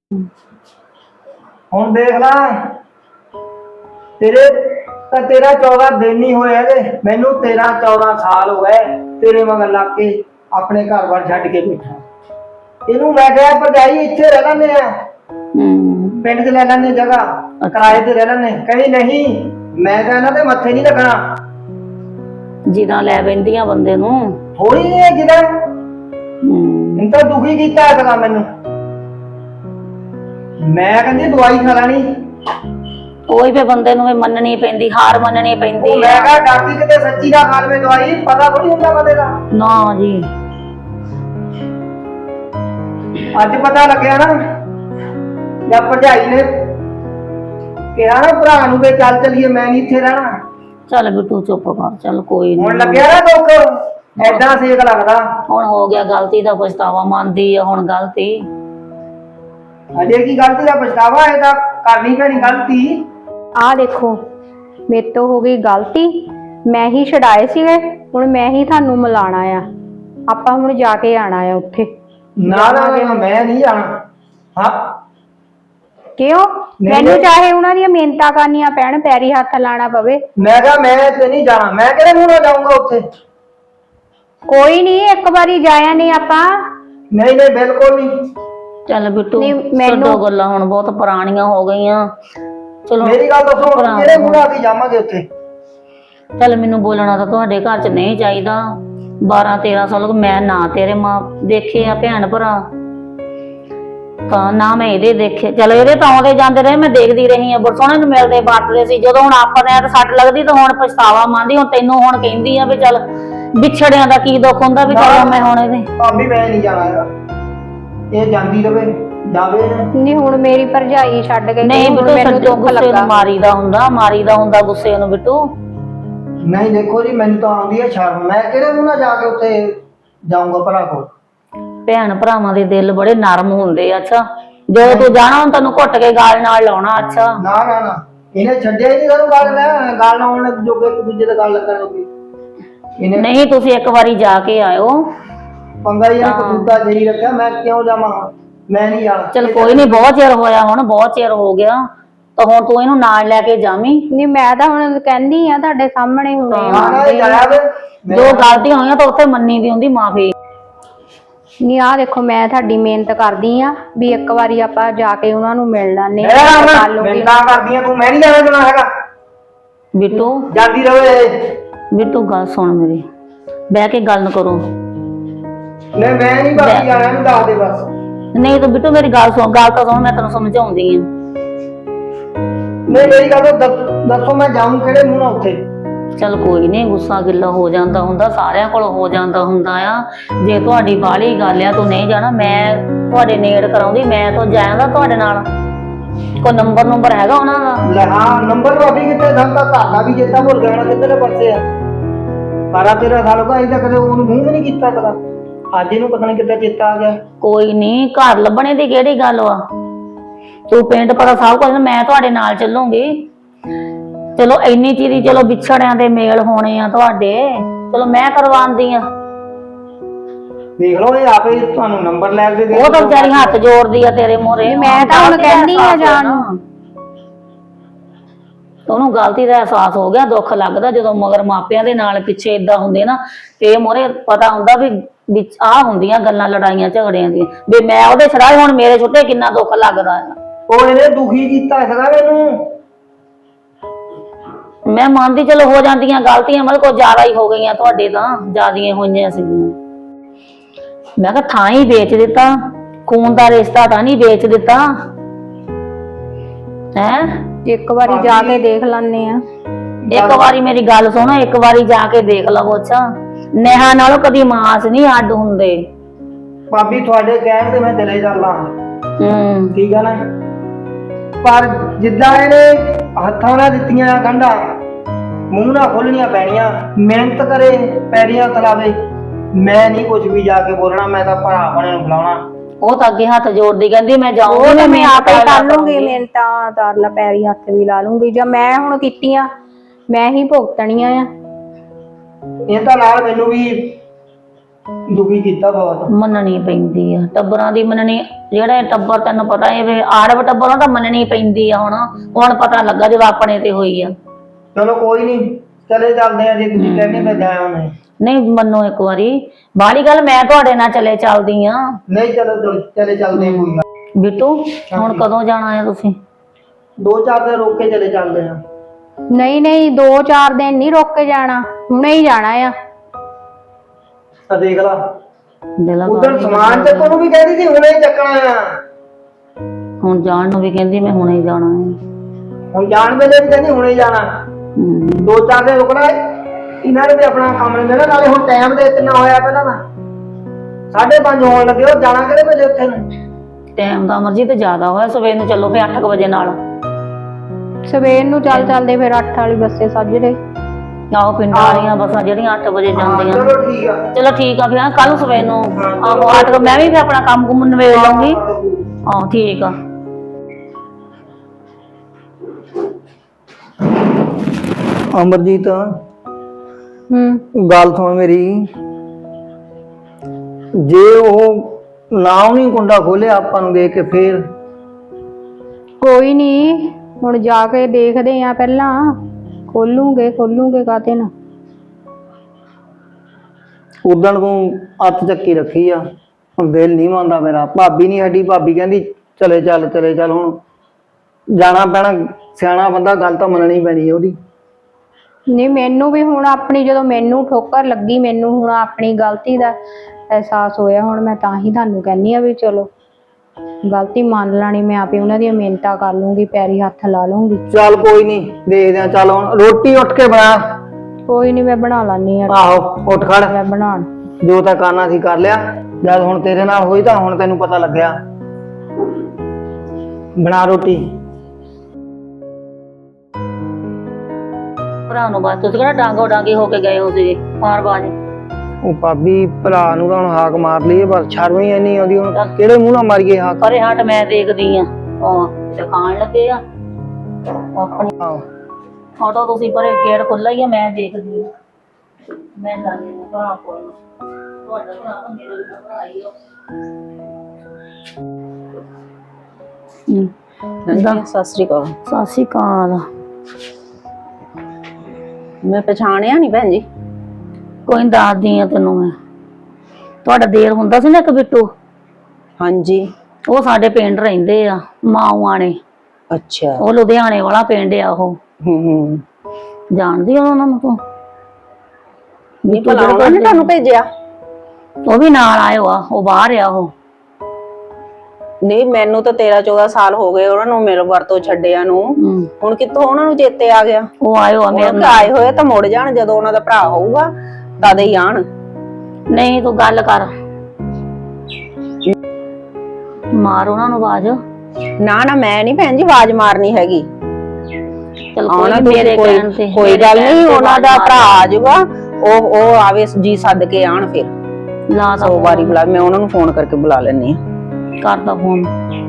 A: ਹੁਣ ਦੇਖ ਲੈ, ਤੇਰੇ ਤਾਂ ਤੇਰਾ ਚੌਦਾਂ ਦਿਨ ਨਹੀਂ ਹੋਏ ਹੈਗੇ, ਮੈਨੂੰ ਤੇਰਾਂ ਚੌਦਾਂ ਸਾਲ ਹੋ ਗਏ ਤੇਰੇ ਮਗਰ ਲੱਗ ਕੇ ਆਪਣੇ ਘਰ ਬਾਰ ਛੱਡ ਕੇ ਬੈਠਾ। ਇਹਨੂੰ ਮੈਂ ਕਿਹਾ ਭਰਜਾਈ ਇੱਥੇ ਰਹਿ ਲੈਂਦੇ ਆ, ਪਿੰਡ 'ਚ ਲੈ ਲੈਂਦੇ ਜਗ੍ਹਾ, ਕਿਰਾਏ ਤੇ ਰਹਿ ਲੈਂਦੇ। ਕਹਿੰਦੀ ਨਹੀਂ, ਮੈਂ ਤਾਂ ਇਹਨਾਂ ਦੇ ਮੱਥੇ ਨਹੀਂ ਲੱਗਣਾ।
C: ਜਿਦਾਂ ਲੈ ਬੈਂਦੀਆਂ ਬੰਦੇ ਨੂੰ
A: ਥੋੜੀ ਜਿਹੀ ਹੈ ਜਿਹਦਾ ਇਹ ਤਾਂ ਦੁਖੀ ਕੀਤਾ ਹੈ ਤਾਂ ਮੈਨੂੰ। ਮੈਂ ਕਹਿੰਦੀ ਦਵਾਈ ਖਾ ਲੈਣੀ,
C: ਉਹੀ ਫੇ ਬੰਦੇ ਨੂੰ ਵੀ ਮੰਨਣੀ ਪੈਂਦੀ, ਹਾਰ ਮੰਨਣੀ ਪੈਂਦੀ।
A: ਮੈਂ ਕਿਹਾ ਡਾਕਟਰ ਕਿਤੇ ਸੱਚੀ ਦਾ ਖਾ ਲਵੇ ਦਵਾਈ, ਪਤਾ ਥੋੜੀ ਹੁੰਦਾ ਬੰਦੇ ਦਾ।
C: ਨਾ ਜੀ,
A: ਅੱਜ ਪਤਾ ਲੱਗਿਆ ਨਾ ਜਦ ਭਰਜਾਈ ਨੇ ਕਿਹਾ ਨਾ ਭਰਾ ਨੂੰ ਕਿ ਚੱਲ ਚੱਲੀਏ, ਮੈਂ ਨਹੀਂ ਇੱਥੇ ਰਹਿਣਾ।
C: ਚੱਲ ਬਿੱਟੂ ਚੁੱਪ ਕਰ, ਚੱਲ ਕੋਈ
A: ਹੁਣ
C: ਨਹੀਂ।
A: ਲੱਗਿਆ ਨਾ ਦੁੱਖ, ਐਦਾਂ ਸੇਕ ਲੱਗਦਾ।
C: ਹੁਣ ਹੋ ਗਿਆ, ਗਲਤੀ ਦਾ ਪਛਤਾਵਾ, ਮੰਨਦੀ ਆ ਹੁਣ ਗਲਤੀ।
A: ਅਜੇ ਕੀ ਗਲਤੀ ਦਾ ਪਛਤਾਵਾ, ਇਹ ਤਾਂ ਕਰਨੀ ਪੈਣੀ ਗਲਤੀ।
B: ਆਹ ਦੇਖੋ ਮੇਰੇ ਤੋਂ ਹੋ ਗਈ ਗਲਤੀ, ਮੈਂ ਹੀ ਛਡਾਏ ਸੀਗੇ, ਹੁਣ ਮੈਂ ਹੀ ਤੁਹਾਨੂੰ ਮਿਲਾਣਾ ਆ। ਆਪਾਂ ਹੁਣ ਜਾ ਕੇ ਆਣਾ ਆ ਉੱਥੇ।
A: ਨਾ ਨਾ ਨਾ ਮੈਂ ਨਹੀਂ ਜਾਣਾ। ਹਾਂ
B: ਕਿਉਂ? ਮੈਨੂੰ ਚਾਹੇ ਉਹਨਾਂ ਦੀਆਂ ਮਿਹਨਤਾਂ ਕਰਨੀਆਂ ਪੈਣ, ਪੈਰੀ ਹੱਥ ਲਾਣਾ ਪਵੇ।
A: ਮੈਂ ਕਿਹਾ ਮੈਂ ਤੇ ਨਹੀਂ ਜਾਣਾ, ਮੈਂ ਕਿਹੜੇ ਮੂੰਹ ਨਾਲ ਜਾਊਂਗਾ ਉੱਥੇ।
B: ਕੋਈ ਨਹੀਂ, ਇੱਕ ਵਾਰੀ ਜਾਇਆ ਨਹੀਂ ਆਪਾਂ।
A: ਨਹੀਂ ਨਹੀਂ ਬਿਲਕੁਲ ਨਹੀਂ।
C: ਚੱਲ ਬਿੱਟੂ
B: ਮੈਨੂੰ
C: ਛੱਡੋ ਗੱਲਾਂ, ਹੁਣ ਬਹੁਤ ਪੁਰਾਣੀਆਂ ਹੋ ਗਈਆਂ। ਚਲੋ
A: ਮੇਰੀ ਗੱਲ ਦੱਸੋ, ਕਿਹੜੇ ਮੂੰਹ ਨਾਲ ਅਸੀਂ ਜਾਵਾਂਗੇ ਉੱਥੇ?
C: ਚੱਲ ਮੈਨੂੰ ਬੋਲਣਾ ਤਾਂ ਤੁਹਾਡੇ ਘਰ ਚ ਨਹੀਂ ਚਾਹੀਦਾ। ਬਾਰਾਂ ਤੇਰਾਂ ਸਾਲ ਮੈਂ ਨਾ ਤੇਰੇ ਮਾਂ ਦੇਖੇ ਆ ਭੈਣ ਭਰਾ, ਤਾਂ ਨਾ ਮੈਂ ਇਹਦੇ ਦੇਖੇ। ਚਲ ਇਹਦੇ ਤਾਂ ਆਉਂਦੇ ਜਾਂਦੇ ਰਹੇ, ਮੈਂ ਦੇਖਦੀ ਰਹੀ ਆ, ਬੜ ਸੋਹਣੇ ਨੂੰ ਮਿਲਦੇ ਵਰਤਦੇ ਸੀ। ਜਦੋਂ ਹੁਣ ਆਪਣੇ ਤਾਂ ਸੱਟ ਲੱਗਦੀ ਤਾਂ ਹੁਣ ਪਛਤਾਵਾ ਮੰਨਦੀ। ਹੁਣ ਤੈਨੂੰ ਹੁਣ ਕਹਿੰਦੀ ਆ ਵੀ ਚੱਲ ਵਿਛੜਿਆਂ ਦਾ ਕੀ ਦੁੱਖ ਹੁੰਦਾ, ਵੀ ਚੱਲ ਮੈਂ ਹੁਣ ਇਹਦੇ।
A: ਭਾਬੀ ਮੈਂ ਨਹੀਂ ਜਾਣਾ ਹੈਗਾ, ਇਹ ਜਾਂਦੀ ਰਵੇ ਜਾਵੇ।
B: ਨਹੀਂ ਹੁਣ ਮੇਰੀ ਭਰਜਾਈ ਛੱਡ ਕੇ
C: ਨਹੀਂ ਬਿੱਟੂ,
B: ਮੈਨੂੰ ਦੁੱਖ
C: ਗੁੱਸੇ
B: ਲੱਗਾ।
C: ਨੂੰ ਮਾਰੀ ਦਾ ਹੁੰਦਾ, ਮਾਰੀ ਦਾ ਹੁੰਦਾ ਗੁੱਸੇ ਨੂੰ ਬਿੱਟੂ।
A: ਨਹੀਂ ਦੇਖੋ ਜੀ, ਮੈਨੂੰ ਤਾਂ ਆਉਂਦੀ ਹੈ ਸ਼ਰਮ, ਮੈਂ ਕਿਹੜੇ ਮੂੰਹ ਨਾਲ ਜਾ ਕੇ ਉੱਥੇ ਜਾਊਂਗਾ ਭਰਾ ਕੋਲ।
C: ਭੈਣ ਭਰਾਵਾਂ ਦੇ ਦਿਲ ਬੜੇ ਨਰਮ ਹੁੰਦੇ ਆ। ਅੱਛਾ ਜਦੋਂ ਤੂੰ ਜਾਣਾ ਹੁਣ ਤੈਨੂੰ ਘੁੱਟ ਕੇ ਗਾਲ ਨਾਲ ਲਾਉਣਾ। ਅੱਛਾ
A: ਨਾ ਨਾ ਨਾ, ਇਹਨੇ ਛੱਡਿਆ ਹੀ ਨਹੀਂ ਸਾਨੂੰ ਗੱਲ, ਲੈ ਗੱਲ ਲਾਉਣ ਜੋਗੇ, ਇੱਕ ਦੂਜੇ ਦੇ ਗੱਲ ਲੱਗਣ ਜੋਗੇ। ਇਹਨੇ
C: ਨਹੀਂ ਤੁਸੀਂ ਇੱਕ ਵਾਰੀ ਜਾ ਕੇ ਆਇਓ।
A: ਪੰਗਾ ਹੀ ਇਹਨੇ ਕਸੂਤਾ ਜਰੀ ਰੱਖਿਆ, ਮੈਂ ਕਿਉਂ ਜਾਵਾਂ, ਮੈਂ ਨਹੀਂ ਜਾਣਾ।
C: ਚਲ ਕੋਈ ਨਹੀਂ, ਬਹੁਤ ਚਿਰ ਹੋਇਆ ਹੁਣ, ਬਹੁਤ ਚਿਰ ਹੋ ਗਿਆ, ਤਾਂ ਹੁਣ ਤੂੰ ਇਹਨੂੰ ਨਾਲ ਲੈ ਕੇ ਜਾਵੀਂ।
B: ਨਹੀਂ ਮੈਂ ਤਾਂ ਹੁਣ ਕਹਿੰਦੀ ਆ ਤੁਹਾਡੇ ਸਾਹਮਣੇ ਹੁਣੇ
A: ਹਾਂ ਨਾ ਇਹ ਜਾਇਆ ਵੇ
C: ਜੋ ਗਲਤੀਆਂ ਹੋਈਆਂ ਤਾਂ ਉੱਥੇ ਮੰਨੀ ਦੀ ਹੁੰਦੀ ਮਾਫੀ।
B: ਨਹੀਂ ਆ ਦੇਖੋ, ਮੈਂ ਤੁਹਾਡੀ ਮਿਹਨਤ ਕਰਦੀ ਆ ਵੀ ਇੱਕ ਵਾਰੀ ਆਪਾਂ ਜਾ ਕੇ ਉਹਨਾਂ ਨੂੰ ਮਿਲ ਲਾਂਗੇ।
A: ਮਿੰਟਾਂ ਕਰਦੀਆਂ ਤੂੰ, ਮੈਂ ਨਹੀਂ ਜਾਣਾ ਦੇਣਾ ਹੈਗਾ।
C: ਬਿੱਟੂ
A: ਜਾਂਦੀ ਰਵੇ।
C: ਬਿੱਟੂ ਗੱਲ ਸੁਣ ਮੇਰੀ, ਬਹਿ ਕੇ ਗੱਲ ਕਰੋ।
A: ਨਹੀਂ ਮੈਂ ਨਹੀਂ ਬਾਕੀ ਜਾਣਾ, ਇਹਨੂੰ ਦੱਸ ਦੇ ਬਸ।
C: ਨਹੀਂ ਤਾਂ ਬਿੱਟੂ ਮੇਰੀ ਗੱਲ ਸੁਣ, ਗੱਲ ਤਾਂ ਸੁਣ, ਮੈਂ ਤੈਨੂੰ ਸਮਝਾਉਂਦੀ ਆ।
A: ਨਹੀਂ ਮੇਰੀ ਗੱਲ ਤਾਂ ਦੱਸ- ਦੱਸੋ ਮੈਂ ਜਾਊਂ ਕਿਹੜੇ ਮੂੰਹ ਨਾਲ ਉੱਥੇ?
C: ਚਲ ਕੋਈ ਨਹੀਂ, ਗੁੱਸਾ ਗਿੱਲਾ ਹੋ ਜਾਂਦਾ ਹੁੰਦਾ, ਸਾਰਿਆਂ ਕੋਲ ਹੋ ਜਾਂਦਾ ਹੁੰਦਾ ਆ। ਜੇ ਤੁਹਾਡੀ ਬਾਹਲੀ ਗੱਲ ਆ ਤੂੰ ਨਹੀਂ ਜਾਣਾ, ਮੈਂ ਤੁਹਾਡੇ ਨੇੜ ਕਰਾਉਂਦੀ, ਮੈਂ ਤਾਂ ਜਾਵਾਂਗਾ ਤੁਹਾਡੇ ਨਾਲ। ਕੋਈ ਨੰਬਰ ਨੰਬਰ ਹੈਗਾ ਉਹਨਾਂ ਦਾ?
A: ਲੈ ਹਾਂ, ਨੰਬਰ ਭਾਬੀ ਕਿੱਥੇ ਧੰਦਾ, ਘਰ ਦਾ ਵੀ ਚੇਤਾ ਭੁੱਲ ਗਿਆ, ਕਿੱਧਰਲੇ ਪਾਸੇ ਆ। ਬਾਰਾਂ ਤੇਰਾਂ ਸਾਲ ਹੋ ਗਏ, ਅਜੇ ਤੱਕ ਕਦੇ ਉਹਨੂੰ ਮੂੰਹ ਵੀ ਨਹੀਂ ਕੀਤਾ ਪਤਾ। ਅੱਜ ਇਹਨੂੰ ਪਤਾ ਨਹੀਂ ਕਿੱਦਾਂ ਚੇਤਾ ਆ ਗਿਆ।
C: ਕੋਈ ਨਹੀਂ, ਘਰ ਲੱਭਣੇ ਦੀ ਕਿਹੜੀ ਗੱਲ ਵਾ, ਤੂੰ ਪਿੰਡ ਪਤਾ ਸਭ ਕੁਝ, ਮੈਂ ਤੁਹਾਡੇ ਨਾਲ ਚੱਲੂੰਗੀ। ਚਲੋ ਇੰਨੀ ਚੀਰੀ, ਚਲੋ ਵਿਛੜਿਆਂ ਦੇ ਮੇਲ ਹੋਣੇ ਆ ਤੁਹਾਡੇ, ਚਲੋ ਮੈਂ ਕਰਵਾਉਂਦੀ ਆ।
A: ਦੇਖ ਲਓ ਇਹ ਆਪੇ ਤੁਹਾਨੂੰ ਨੰਬਰ ਲੈ ਕੇ ਦੇ।
C: ਉਹ ਤਾਂ ਵਿਚਾਰੀ ਹੱਥ ਜੋੜਦੀ ਆ ਤੇਰੇ ਮੂਹਰੇ।
B: ਮੈਂ ਤਾਂ ਹੁਣ ਕਹਿੰਦੀ ਆ ਜਾਣ ਨੂੰ।
C: ਉਹਨੂੰ ਗਲਤੀ ਦਾ ਅਹਿਸਾਸ ਹੋ ਗਿਆ, ਦੁੱਖ ਲੱਗਦਾ ਜਦੋਂ ਮਗਰ ਮਾਪਿਆਂ ਦੇ ਨਾਲ ਪਿੱਛੇ ਇਦਾਂ ਹੁੰਦੇ ਨਾ, ਤੇ ਮੂਹਰੇ ਪਤਾ ਹੁੰਦਾ ਵੀ ਵਿੱਚ ਆ ਹੁੰਦੀਆਂ ਗੱਲਾਂ, ਲੜਾਈਆਂ ਝਗੜਿਆਂ ਦੀਆਂ, ਵੀ ਮੈਂ ਉਹਦੇ ਛੜਾਏ ਹੁਣ ਮੇਰੇ ਛੁੱਟੇ, ਕਿੰਨਾ ਦੁੱਖ ਲੱਗਦਾ ਆ।
A: ਉਹ ਇਹਨੇ ਦੁਖੀ ਕੀਤਾ ਹੈਗਾ ਮੈਨੂੰ।
C: ਮੈਂ ਮੰਨਦੀ, ਚਲੋ ਹੋ ਜਾਂਦੀਆਂ ਗਲਤੀਆਂ, ਮਤਲਬ ਕੋਈ ਜ਼ਿਆਦਾ ਹੀ ਹੋ ਗਈਆਂ ਤੁਹਾਡੇ, ਤਾਂ ਜ਼ਿਆਦੀਆਂ ਹੋਈਆਂ ਸੀਗੀਆਂ। ਮੈਂ ਕਿਹਾ ਥਾਂ ਹੀ ਵੇਚ ਦਿੱਤਾ, ਖੂਨ ਦਾ ਰਿਸ਼ਤਾ ਤਾਂ ਨਹੀਂ ਵੇਚ ਦਿੱਤਾ ਹੈ।
B: ਇੱਕ ਵਾਰੀ ਜਾ ਕੇ ਦੇਖ ਲੈਣੇ ਆ।
C: ਇੱਕ ਵਾਰੀ ਮੇਰੀ ਗੱਲ ਸੁਣੋ, ਇੱਕ ਵਾਰੀ ਜਾ ਕੇ ਦੇਖ ਲਵੋ। ਅੱਛਾ, ਨੇਹਾ ਨਾਲੋਂ ਕਦੀ ਮਾਸ ਨਹੀਂ ਅੱਡ ਹੁੰਦੇ।
A: ਭਾਬੀ ਤੁਹਾਡੇ ਕਹਿਣ ਤੇ ਮੈਂ ਚਲੇ ਜਾਂਦਾ,
C: ਹੂੰ
A: ਠੀਕ ਹੈ ਨਾ, ਪਰ ਜਿੱਦਾਂ ਇਹਨੇ ਹੱਥਾਂ ਨਾਲ ਦਿੱਤੀਆਂ ਗੰਢਾਂ, ਮੂੰਹ ਨਾਲ ਖੋਲਣੀਆਂ ਪੈਣੀਆਂ। ਮਿਹਨਤ ਕਰੇ, ਪੈਰੀਆਂ ਤਲਾਵੇ, ਮੈਂ ਨਹੀਂ ਕੁਝ ਵੀ ਜਾ ਕੇ ਬੋਲਣਾ, ਮੈਂ ਤਾਂ ਭਰਾ ਬਣੇ ਨੂੰ ਬੁਲਾਉਣਾ।
C: ਉਹ ਤਾਂ ਅੱਗੇ ਹੱਥ ਜੋੜਦੀ ਕਹਿੰਦੀ ਮੈਂ ਜਾਊਂਗੀ,
B: ਉਹ ਮੈਂ ਆਪੇ
C: ਕਰ
B: ਕਰ ਲੂੰਗੀ ਮਿਹਨਤਾਂ, ਤਾਰਲਾ ਪੈਰੀ ਹੱਥ ਵੀ ਲਾ ਲੂੰਗੀ। ਜਾਂ ਮੈਂ ਹੁਣ ਕੀਤੀਆਂ, ਮੈਂ ਹੀ ਭੁਗਤਣੀਆਂ ਆ।
A: ਇਹ ਤਾਂ ਨਾਲ ਮੈਨੂੰ ਵੀ ਦੁਖੀ ਕੀਤਾ ਬਹੁਤ।
C: ਮੰਨਣੀ ਪੈਂਦੀ ਆ ਟੱਬਰਾਂ ਦੀ, ਮੰਨਣੀ। ਜਿਹੜਾ ਇਹ ਟੱਬਰ ਤੈਨੂੰ ਪਤਾ ਇਹ ਵੀ ਆੜਵ ਟੱਬਰਾਂ ਤਾਂ ਮੰਨਣੀ ਪੈਂਦੀ ਆ। ਹੁਣ ਹੁਣ ਪਤਾ ਲੱਗਾ ਜਦੋਂ ਆਪਣੇ ਤੇ ਹੋਈ ਆ।
A: ਚਲੋ ਕੋਈ ਨਹੀਂ, ਚਲੇ ਚੱਲਦੇ ਆ, ਜੇ ਤੁਸੀਂ ਕਹਿੰਦੇ ਤਾਂ ਜਾਇਆ ਨਹੀਂ।
C: ਨਹੀਂ ਮੰਨੋ ਇੱਕ ਵਾਰੀ, ਬਾਹਲੀ ਗੱਲ ਮੈਂ ਤੁਹਾਡੇ ਨਾਲ ਚਲੇ ਚੱਲਦੀ ਆ।
A: ਨਹੀਂ ਚਲੋ ਚਲੋ, ਚਲੇ ਚੱਲਦੇ ਆ, ਕੋਈ ਗੱਲ।
C: ਬਿੱਟੂ ਹੁਣ ਕਦੋਂ ਜਾਣਾ ਆ ਤੁਸੀਂ?
A: ਦੋ ਚਾਰ ਦਿਨ ਰੋਕ ਕੇ ਚਲੇ ਚੱਲਦੇ ਆ।
B: ਨਹੀਂ ਨਹੀਂ, ਦੋ ਚਾਰ ਦਿਨ ਨਹੀਂ ਰੁਕ ਕੇ ਜਾਣਾ, ਹੁਣੇ ਹੀ ਜਾਣਾ ਆ।
A: ਆ ਦੇਖ ਲਾ,
C: ਦਿਲਾਂ
A: ਉਧਰ ਸਮਾਨ ਚੱਕਣ ਨੂੰ ਵੀ ਕਹਿੰਦੀ ਸੀ ਹੁਣੇ ਹੀ ਚੱਕਣਾ ਆ।
C: ਹੁਣ ਜਾਣ ਨੂੰ ਵੀ ਕਹਿੰਦੀ ਮੈਂ ਹੁਣੇ ਹੀ ਜਾਣਾ ਹੈ।
A: ਹੁਣ ਜਾਣ ਵੇਲੇ ਵੀ ਕਹਿੰਦੀ ਹੁਣੇ ਹੀ ਜਾਣਾ।
C: ਹੂੰ
A: ਦੋ ਚਾਰ ਦਿਨ ਰੁਕਣਾ, ਇਹਨਾਂ ਨੇ ਵੀ ਆਪਣਾ ਕੰਮ ਨਹੀਂ ਦੇਣਾ। ਨਾਲੇ ਹੁਣ ਟਾਈਮ ਦੇ ਕਿੰਨਾ ਹੋਇਆ ਪਹਿਲਾਂ ਤਾਂ ਸਾਢੇ ਪੰਜ ਹੋਣ ਲੱਗੇ, ਉਹ ਜਾਣਾ ਕਿਹੜੇ ਵਜੇ ਉੱਥੇ ਨੂੰ?
C: ਟਾਈਮ ਦਾ ਮਰਜ਼ੀ ਤੇ ਜ਼ਿਆਦਾ ਹੋਇਆ, ਸਵੇਰ ਨੂੰ ਚੱਲੋ ਫੇ ਅੱਠ ਵਜੇ ਨਾਲ।
B: ਸਵੇਰ ਨੂੰ ਚੱਲ ਚੱਲਦੇ ਫਿਰ ਅੱਠ ਵਾਲੀ ਬੱਸੇ ਸੱਜਰੇ।
C: ਆਹੋ ਪਿੰਡਾਂ ਵਾਲੀਆਂ ਬੱਸਾਂ ਜਿਹੜੀਆਂ ਅੱਠ ਵਜੇ ਜਾਂਦੀਆਂ।
A: ਚਲੋ ਠੀਕ ਆ।
C: ਚਲੋ ਠੀਕ ਆ, ਫਿਰ ਕੱਲ ਨੂੰ ਸਵੇਰ ਨੂੰ ਆਹੋ ਅੱਠ ਵਜੇ ਮੈਂ ਵੀ ਫਿਰ ਆਪਣਾ ਕੰਮ ਕੁਮ ਨਵੇੜ ਲਵਾਂਗੀ। ਹਾਂ ਠੀਕ ਆ।
A: ਅਮਰਜੀਤ,
B: ਹੂੰ
A: ਗੱਲ ਸੁਣ ਮੇਰੀ, ਜੇ ਉਹ ਨਾ ਉਹਨੇ ਕੁੰਡਾ ਖੋਲਿਆ ਆਪਾਂ ਨੂੰ ਦੇਖ ਕੇ, ਫੇਰ
B: ਕੋਈ ਨਹੀਂ, ਹੁਣ ਜਾ ਕੇ ਦੇਖਦੇ ਆ। ਪਹਿਲਾਂ ਖੋਲੂਗੇ ਖੋਲੂਗੇ ਕਾਤੇ ਨਾ।
A: ਉਦਣ ਤੂੰ ਹੱਥ ਚੱਕੀ ਰੱਖੀ ਆ, ਹੁਣ ਦਿਲ ਨਹੀਂ ਮੰਨਦਾ ਮੇਰਾ। ਭਾਬੀ ਨਹੀਂ ਹੱਡੀ, ਭਾਬੀ ਕਹਿੰਦੀ ਚਲੇ ਚੱਲ ਚਲੇ ਚੱਲ। ਹੁਣ ਜਾਣਾ ਪੈਣਾ, ਸਿਆਣਾ ਬੰਦਾ, ਗੱਲ ਤਾਂ ਮੰਨਣੀ ਪੈਣੀ ਹੈ ਉਹਦੀ।
B: ਨਹੀਂ ਮੈਨੂੰ ਵੀ ਹੁਣ ਆਪਣੀ, ਜਦੋਂ ਮੈਨੂੰ ਠੋਕਰ ਲੱਗੀ, ਮੈਨੂੰ ਹੁਣ ਆਪਣੀ ਗਲਤੀ ਦਾ ਅਹਿਸਾਸ ਹੋਇਆ। ਹੁਣ ਮੈਂ ਤਾਂ ਹੀ ਤੁਹਾਨੂੰ ਕਹਿੰਦੀ ਆ ਵੀ ਚਲੋ ਗਲਤੀ ਮੰਨ ਲੈਣੀ, ਮੈਂ ਆਪੇ ਉਹਨਾਂ ਦੀਆਂ ਮਿਹਨਤਾਂ ਕਰ ਲੂੰਗੀ, ਪੈਰੀ ਹੱਥ ਲਾ ਲੂੰਗੀ।
A: ਚੱਲ ਕੋਈ ਨਹੀਂ, ਦੇਖਦੇ ਆ। ਚੱਲ ਹੁਣ ਰੋਟੀ ਉੱਠ ਕੇ ਬਣਾ।
B: ਕੋਈ ਨਹੀਂ, ਮੈਂ ਬਣਾ ਲਾਨੀ ਆ।
A: ਆਹੋ ਉੱਠ ਖੜ,
B: ਮੈਂ ਬਣਾਉਣ
A: ਜੋ ਤਾਂ ਕਰਨਾ ਸੀ ਕਰ ਲਿਆ। ਜਦ ਹੁਣ ਤੇਰੇ ਨਾਲ ਹੋਈ ਤਾਂ ਹੁਣ ਤੈਨੂੰ ਪਤਾ ਲੱਗਿਆ। ਬਣਾ ਰੋਟੀ।
C: ਭਰਾ ਨੂੰ ਬਾਅਦ ਤੁਸੀਂ ਕਿਹੜਾ ਡਾਂਗੋ ਡਾਂਗੀ ਹੋ ਕੇ ਗਏ ਹੋ ਸੀਗੇ ਮਾਰ ਬਾਜ।
A: ਉਹ ਭਾਬੀ ਭਰਾ ਨੂੰ ਤਾਂ ਹੁਣ ਹਾਕ ਮਾਰ ਲਈਏ, ਪਰ ਸ਼ਰਮ ਹੀ ਇੰਨੀ ਆਉਂਦੀ। ਹੁਣ ਕਿਹੜੇ ਮੂੰਹ ਨਾਲ ਮਾਰੀਏ ਹਾਕ?
C: ਪਰੇ ਹਟ, ਮੈਂ ਦੇਖਦੀ ਆ। ਹਾਂ ਤੇ ਖਾਣ ਲੱਗੇ ਆ ਆਪਣੀ
A: ਆਹੋ
C: ਆਟੋ, ਤੁਸੀਂ ਪਰੇ ਗੇਟ ਖੁੱਲਾ ਹੀ ਆ, ਮੈਂ ਦੇਖਦੀ ਆ। ਮੈਂ ਲਾਂਗੀ ਨਾ ਭਰਾ ਕੋਲ ਤੁਹਾਡਾ ਭਰਾ ਤਾਂ ਮੇਰੇ ਵੀ ਭਰਾ ਹੀ ਹੋ।
D: ਹਾਂਜੀ ਸਤਿ ਸ੍ਰੀ ਅਕਾਲ।
C: ਸਤਿ ਸ਼੍ਰੀ ਅਕਾਲ।
D: ਮੈਂ ਪਛਾਣਿਆ ਨਹੀਂ ਭੈਣ ਜੀ।
C: ਕੋਈ ਨੀ ਦੱਸਦੀ ਆ ਤੈਨੂੰ ਮੈਂ। ਤੁਹਾਡਾ ਦੇਰ ਹੁੰਦਾ ਸੀ ਨਾ ਇੱਕ ਬਿੱਟੂ,
D: ਹਾਂਜੀ
C: ਉਹ ਸਾਡੇ ਪਿੰਡ ਰਹਿੰਦੇ ਆ ਮਾਊਆਣੇ।
D: ਅੱਛਾ।
C: ਉਹ ਲੁਧਿਆਣੇ ਵਾਲਾ ਪਿੰਡ ਆ ਉਹ।
D: ਹੂੰ ਹੂੰ।
C: ਜਾਣਦੀ ਆ ਉਹਨਾਂ ਨੂੰ ਤੂੰ?
D: ਨਹੀਂ ਭਲਾ ਉਹਨਾਂ ਨੇ ਤੁਹਾਨੂੰ ਭੇਜਿਆ?
C: ਉਹ ਵੀ ਨਾਲ ਆਇਓ ਆ, ਉਹ ਬਾਹਰ ਆ ਉਹ।
D: ਨਹੀਂ ਮੈਨੂੰ ਤਾਂ ਤੇਰਾਂ ਚੌਦਾਂ ਸਾਲ ਹੋ ਗਏ ਉਹਨਾਂ ਨੂੰ ਮਿਲ ਵਰਤੋਂ ਛੱਡਿਆ ਨੂੰ। ਹੁਣ ਕਿੱਥੋਂ ਉਹਨਾਂ ਨੂੰ ਚੇਤੇ ਆ ਗਿਆ?
C: ਉਹ ਆਇਓ ਆ ਮੇਰੇ ਨਾਲ।
D: ਆਏ ਹੋਏ ਤਾਂ ਮੁੜ ਜਾਣ, ਜਦੋਂ ਉਹਨਾਂ ਦਾ ਭਰਾ ਹੋਊਗਾ ਤਦ ਹੀ ਆਣ।
C: ਨਹੀਂ ਤੂੰ ਗੱਲ ਕਰ, ਮਾਰ ਉਹਨਾਂ ਨੂੰ ਆਵਾਜ਼।
D: ਨਾ ਨਾ ਮੈਂ ਨਹੀਂ ਭੈਣ ਜੀ ਆਵਾਜ਼ ਮਾਰਨੀ ਹੈਗੀ।
C: ਚਲ
D: ਆਉਣਾ
C: ਕੋਈ ਮੇਰੇ
D: ਕੋਈ
C: ਕਹਿਣ ਤੇ
D: ਕੋਈ ਗੱਲ ਨਹੀਂ, ਉਹਨਾਂ ਦਾ ਭਰਾ ਆ ਜਾਊਗਾ। ਉਹ ਉਹ ਆਵੇ ਜੀ ਸੱਦ ਕੇ ਆਣ। ਫਿਰ
C: ਲਾ ਦਾ
D: ਸੌ ਵਾਰੀ ਬੁਲਾ, ਮੈਂ ਉਹਨਾਂ ਨੂੰ ਫੋਨ ਕਰਕੇ ਬੁਲਾ ਲੈਣੀ ਆ।
C: ਕਰਦਾ ਫੋਨ।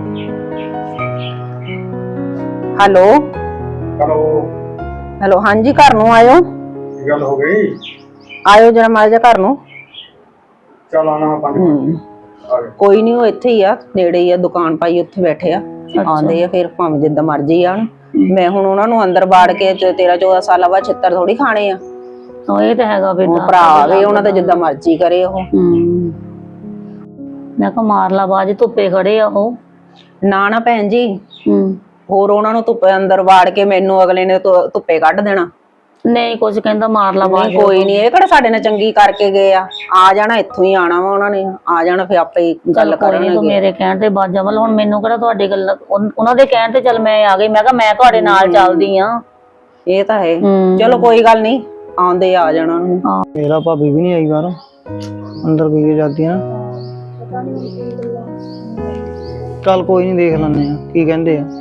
D: ਹੈਲੋ
E: ਹੈਲੋ,
D: ਹੈਲੋ ਹਾਂਜੀ ਘਰ ਨੂੰ ਆਇਓ।
E: ਕੀ ਗੱਲ ਹੋ ਗਈ?
D: ਆਇਓ ਜਰਾ ਮਾੜਾ ਜਿਹਾ ਘਰ ਨੂੰ।
E: ਚੱਲ ਆਣਾ ਮੈਂ ਪੰਜ ਮਿੰਟ ਆ ਗਿਆ।
D: ਕੋਈ ਨਹੀਂ, ਉਹ ਇੱਥੇ ਹੀ ਆ, ਨੇੜੇ ਹੀ ਆ, ਦੁਕਾਨ ਪਾਈ ਉੱਥੇ ਬੈਠੇ ਆ। ਆਉਂਦੇ ਆ ਫਿਰ ਭਾਵੇਂ ਜਿੱਦਾਂ ਮਰਜੀ ਆਣ। ਮੈਂ ਹੁਣ ਉਹਨਾਂ ਨੂੰ ਅੰਦਰ ਬਾੜ ਕੇ ਤੇਰਾਂ ਚੌਦਾਂ ਸਾਲਾਂ ਬਾਅਦ ਛਿੱਤਰ ਥੋੜੀ ਖਾਣੇ ਆ।
C: ਉਹ ਇਹ ਤਾਂ ਹੈਗਾ
D: ਉਹ ਭਰਾ ਆਵੇ, ਉਹਨਾਂ ਦਾ ਜਿੱਦਾਂ ਮਰਜੀ ਕਰੇ ਉਹ।
C: ਹੂੰ ਮੈਂ ਕਿਹਾ ਮਾਰ ਲਾ ਬਾਜ, ਧੁੱਪੇ ਖੜੇ ਆ ਉਹ।
D: ਨਾ ਨਾ ਭੈਣ ਜੀ,
C: ਹੂੰ
D: ਹੋਰ ਉਹਨਾਂ ਨੂੰ ਧੁੱਪੇ ਅੰਦਰ ਵਾੜ ਕੇ ਮੈਨੂੰ ਅਗਲੇ ਨੇ ਧੁ- ਧੁੱਪੇ ਕੱਢ ਦੇਣਾ।
C: ਨਹੀਂ ਕੁਝ ਕਹਿੰਦਾ ਮਾਰ ਲਾ ਬਾਜ।
D: ਨਹੀਂ ਕੋਈ ਨਹੀਂ, ਇਹ ਕਿਹੜਾ ਸਾਡੇ ਨਾਲ ਚੰਗੀ ਕਰਕੇ ਗਏ ਆ। ਆ ਜਾਣਾ ਇੱਥੋਂ ਹੀ ਆਣਾ ਵਾ ਉਹਨਾਂ ਨੇ, ਆ ਜਾਣਾ ਫਿਰ ਆਪੇ ਹੀ ਗੱਲ
C: ਕੋਈ ਨੀ, ਤੂੰ
D: ਕਰਨਗੇ।
C: ਮੇਰੇ ਕਹਿਣ ਤੇ ਬਾਜਾ ਵੱਲ, ਹੁਣ ਮੈਨੂੰ ਕਿਹੜਾ ਤੁਹਾਡੀ ਗੱਲ, ਉਨ- ਉਹਨਾਂ ਦੇ ਕਹਿਣ ਤੇ ਚੱਲ ਮੈਂ ਆ ਗਈ। ਮੈਂ ਕਿਹਾ ਮੈਂ ਤੁਹਾਡੇ ਨਾਲ ਚੱਲਦੀ ਆ।
D: ਇਹ ਤਾਂ ਹੈ।
C: ਹੂੰ।
D: ਚਲੋ ਕੋਈ ਗੱਲ ਨਹੀਂ, ਆਉਂਦੇ ਆ ਜਾਣਾ ਉਹਨੂੰ।
A: ਮੇਰਾ ਭਾਬੀ ਵੀ ਨਹੀਂ ਆਈ ਬਾਹਰੋਂ, ਅੰਦਰ ਪੀ ਕੇ ਜਾਂਦੀ ਆ ਨਾ। ਚੱਲ ਕੋਈ ਨਹੀਂ, ਦੇਖ ਲੈਂਦੇ ਆ ਕੀ ਕਹਿੰਦੇ ਆ।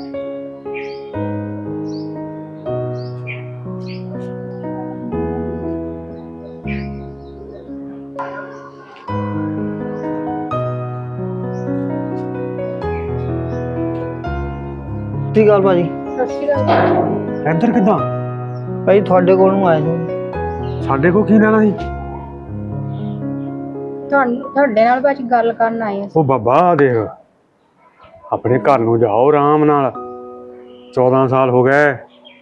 A: ਸਤਿ ਸ਼੍ਰੀ ਅਕਾਲ ਭਾਜੀ।
E: ਇੱਧਰ ਕਿੱਦਾਂ?
A: ਭਾਈ ਤੁਹਾਡੇ ਕੋਲ ਨੂੰ ਆਏ ਸੀ।
E: ਸਾਡੇ ਕੋਲ ਕੀ ਲੈਣਾ ਸੀ?
B: ਤੁਹਾਨੂੰ ਤੁਹਾਡੇ ਨਾਲ ਭਾਜੀ ਗੱਲ ਕਰਨ ਆਏ
E: ਉਹ ਬਾਬਾ ਦੇਖ, ਆਪਣੇ ਘਰ ਨੂੰ ਜਾਓ ਆਰਾਮ ਨਾਲ। ਚੌਦਾਂ ਸਾਲ ਹੋ ਗਏ,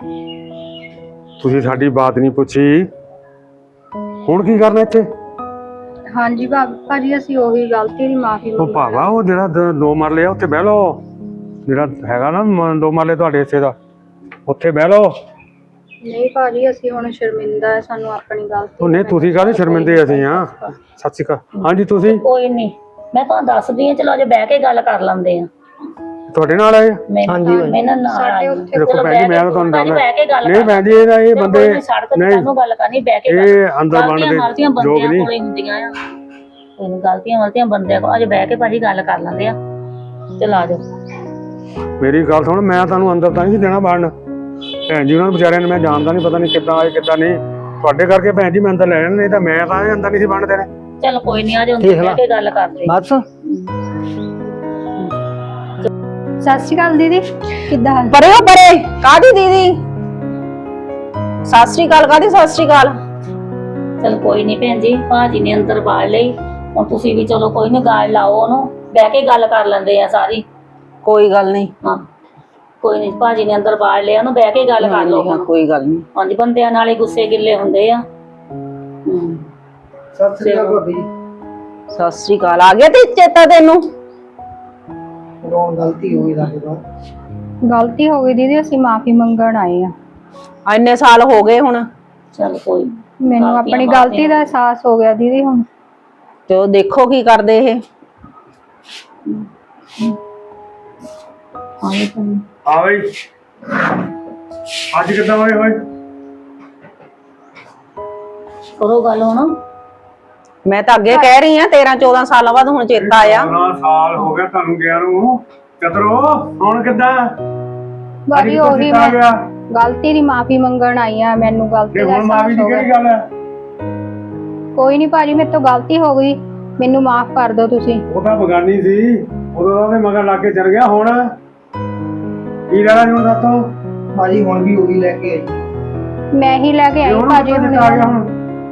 E: ਤੁਸੀਂ ਸਾਡੀ ਬਾਤ ਨਹੀਂ ਪੁੱਛੀ। ਹੁਣ ਕੀ ਕਰਨਾ ਇੱਥੇ?
B: ਹਾਂਜੀ ਭਾਜੀ, ਅਸੀਂ ਉਹੀ ਗਲਤੀ ਦੀ ਮਾਫੀ
E: ਉਹ ਭਾਵਾ, ਉਹ ਜਿਹੜਾ ਦ- ਦੋ ਮਰਲੇ ਆ ਉੱਥੇ ਬਹਿ ਲਓ। ਜਿਹੜਾ ਹੈਗਾ ਨਾ ਮ- ਦੋ ਮਰਲੇ ਤੁਹਾਡੇ ਹਿੱਸੇ ਦਾ, ਉੱਥੇ ਬਹਿ ਲਓ।
B: ਨਹੀਂ ਭਾਜੀ, ਅਸੀਂ ਹੁਣ ਸ਼ਰਮਿੰਦਾ ਹੈ, ਸਾਨੂੰ ਆਪਣੀ ਗਲਤੀ।
E: ਉਹ ਨਹੀਂ, ਤੁਸੀਂ ਕਾਹਦੇ ਸ਼ਰਮਿੰਦੇ? ਅਸੀਂ ਆ। ਸਤਿ ਸ਼੍ਰੀ ਅਕਾਲ। ਹਾਂਜੀ ਤੁਸੀਂ?
C: ਕੋਈ ਨਹੀਂ, ਮੈਂ ਤੁਹਾਨੂੰ ਦੱਸਦੀ ਆ। ਚਲੋ ਅਜੇ ਬਹਿ ਕੇ ਗੱਲ ਕਰ ਲੈਂਦੇ ਆ।
E: ਤੁਹਾਡੇ ਨਾਲ ਆਏ?
C: ਹਾਂਜੀ ਮੈਨੂੰ ਨਾਲ ਆਈ।
E: ਦੇਖੋ ਭੈਣ ਜੀ, ਮੈਂ ਤਾਂ ਤੁਹਾਨੂੰ ਦੱਸਦਾ
C: ਬਹਿ ਕੇ ਗੱਲ
E: ਨਹੀਂ ਭੈਣ ਜੀ, ਇਹਦਾ ਇਹ ਬੰਦੇ
C: ਸੜਕ ਤੇ ਤੁਹਾਨੂੰ ਗੱਲ ਕਰਨੀ, ਬਹਿ ਕੇ
E: ਇਹ ਅੰਦਰ ਬਣਦੇ
C: ਗਲਤੀਆਂ
E: ਲੋਕ
C: ਬੰਦਿਆਂ
E: ਨਹੀਂ।
C: ਕੋਲੇ ਹੁੰਦੀਆਂ ਆ। ਕੋਈ ਨੀ, ਗਲਤੀਆਂ ਗਲਤੀਆਂ ਬੰਦਿਆਂ ਕੋਲ। ਅਜੇ ਬਹਿ ਕੇ ਭਾਜੀ ਗੱਲ ਕਰ ਲੈਂਦੇ ਆ। ਚਲ ਆ ਜਾਓ।
E: ਮੇਰੀ ਗੱਲ ਸੁਣ, ਮੈਂ ਤੁਹਾਨੂੰ ਅੰਦਰ ਤਾਂ ਨਹੀਂ ਦੇਣਾ ਵੜਨ। ਭੈਣ ਜੀ ਉਹਨਾਂ ਨੂੰ ਵਿਚਾਰਿਆਂ ਨੂੰ ਮੈਂ ਜਾਣਦਾ ਨਹੀਂ, ਪਤਾ ਨਹੀਂ ਕਿੱਦਾਂ ਆਏ ਕਿੱਦਾਂ ਨਹੀਂ। ਤੁਹਾਡੇ ਕਰਕੇ ਭੈਣ ਜੀ ਮੈਂ ਅੰਦਰ ਲੈ ਜਾਣਾ, ਨਹੀਂ ਤਾਂ ਮੈਂ ਤਾਂ ਅੰਦਰ ਨਹੀਂ ਸੀ ਵੜਨ ਦੇਣੇ।
C: ਚਲ ਕੋਈ ਨਹੀਂ, ਆ ਜਾਓ ਅੰਦਰ ਬਹਿ ਕੇ ਗੱਲ ਕਰਦੇ।
A: ਬਸ
B: ਸਤਿ ਸ਼੍ਰੀ ਅਕਾਲ ਦੀਦੀ, ਕਿੱਦਾਂ ਹਾਲ?
D: ਪਰੇ ਹੋ ਪਰੇ, ਕਾਦੀ ਦੀਦੀ? ਸਤਿ ਸ੍ਰੀ ਅਕਾਲ ਕਾਦੀ? ਸਤਿ ਸ੍ਰੀ ਅਕਾਲ।
C: ਚਲ ਕੋਈ ਨਹੀਂ ਭੈਣ ਜੀ, ਭਾਜੀ ਨੇ ਅੰਦਰ ਬਾੜ ਲਈ। ਹੁਣ ਤੁਸੀਂ ਵੀ ਚਲੋ ਕੋਈ ਨੀ, ਗਾਲ ਲਾਓ ਉਹਨੂੰ, ਬਹਿ ਕੇ ਗੱਲ ਕਰ ਲੈਂਦੇ ਆ ਸਾਰੀ।
D: ਕੋਈ ਗੱਲ ਨਹੀਂ।
C: ਹਾਂ ਕੋਈ ਨਹੀਂ, ਭਾਜੀ ਨੇ ਅੰਦਰ ਬਾੜ ਲਿਆ, ਉਹਨੂੰ ਬਹਿ ਕੇ ਗੱਲ ਕਰ ਲਓ
D: ਹਾਂ
C: ਹੁਣ।
D: ਕੋਈ ਗੱਲ ਨਹੀਂ।
C: ਹਾਂਜੀ, ਬੰਦਿਆਂ ਨਾਲ ਹੀ ਗੁੱਸੇ ਗਿੱਲੇ ਹੁੰਦੇ ਆ। ਹੂੰ
A: ਸਤਿ ਸ਼੍ਰੀ ਅਕਾਲ ਭਾਬੀ।
D: ਸਤਿ ਸ੍ਰੀ ਅਕਾਲ। ਆ ਗਿਆ ਤੇ ਚੇਤਾ ਤੈਨੂੰ?
A: ਰੋਣ ਗਲਤੀ ਹੋ ਗਈ ਸਾਡੇ ਤੋਂ।
B: ਗਲਤੀ ਹੋ ਗਈ ਦੀਦੀ, ਅਸੀਂ ਮਾਫੀ ਮੰਗਣ ਆਏ ਆ।
D: ਇੰਨੇ ਸਾਲ ਹੋ ਗਏ ਹੁਣ।
C: ਚਲ ਕੋਈ ਨੀ।
B: ਮੈਨੂੰ ਆਪਣੀ ਗਲਤੀ ਦਾ ਅਹਿਸਾਸ ਹੋ ਗਿਆ ਦੀਦੀ ਹੁਣ।
D: ਤੇ ਉਹ ਦੇਖੋ ਕੀ ਕਰਦੇ ਇਹ।
C: ਹਾਂ ਜੀ,
E: ਆ ਬਈ, ਅੱਜ ਕਿੱਦਾਂ ਹੋਏ ਹੋਏ?
C: ਕਰੋ ਗੱਲ ਹੁਣ।
D: ਮੈਂ ਤਾਂ ਅੱਗੇ ਕਹਿ ਰਹੀ ਆ, ਤੇਰਾਂ ਚੌਦਾਂ ਸਾਲਾਂ ਬਾਅਦ ਹੁਣ ਚੇਤਾ ਆਇਆ।
E: ਚੌਦਾਂ ਸਾਲ ਹੋ ਗਿਆ ਤੁਹਾਨੂੰ ਗਿਆ ਨੂੰ। ਚਤਰੋ ਹੁਣ ਕਿੱਦਾਂ?
B: ਭਾਜੀ
E: ਅੱਜ
B: ਉਹੀ
E: ਕਿੱਦਾਂ ਆ
B: ਮੈਂ
E: ਗਿਆ?
B: ਗਲਤੀ ਦੀ ਮਾਫੀ ਮੰਗਣ ਆਈ ਆ। ਮੈਨੂੰ ਗਲਤੀ
E: ਤੇ
B: ਦਾ
E: ਹੁਣ ਮਾਫੀ
B: ਅਹਿਸਾਸ
E: ਦੀ
B: ਹੋ
E: ਕਿਹੜੀ
B: ਗਿਆ।
E: ਗੱਲ ਹੈ?
B: ਕੋਈ ਨਹੀਂ ਭਾਜੀ, ਮੇਰੇ ਤੋਂ ਗਲਤੀ ਹੋ ਗਈ, ਮੈਨੂੰ ਮਾਫ ਕਰ ਦਿਓ ਤੁਸੀਂ।
E: ਉਹ ਤਾਂ ਬਗਾਨੀ ਸੀ, ਉਦੋਂ ਉਹਦੇ ਮਗਰ ਲੱਗ ਕੇ ਚਲ ਗਿਆ। ਹੁਣ ਕੀ ਲੈਣਾ ਜੀ ਹੁਣ ਸਾਤੋਂ?
A: ਭਾਜੀ ਹੁਣ ਵੀ ਉਹੀ ਲੈ ਕੇ ਆਈ।
B: ਮੈਂ ਹੀ ਲੈ ਕੇ ਆਈ
E: ਹੁਣ
B: ਭਾਜੀ
E: ਕਿੱਦਾਂ
B: ਹੁਣ।
E: ਆ ਗਿਆ ਹੁਣ?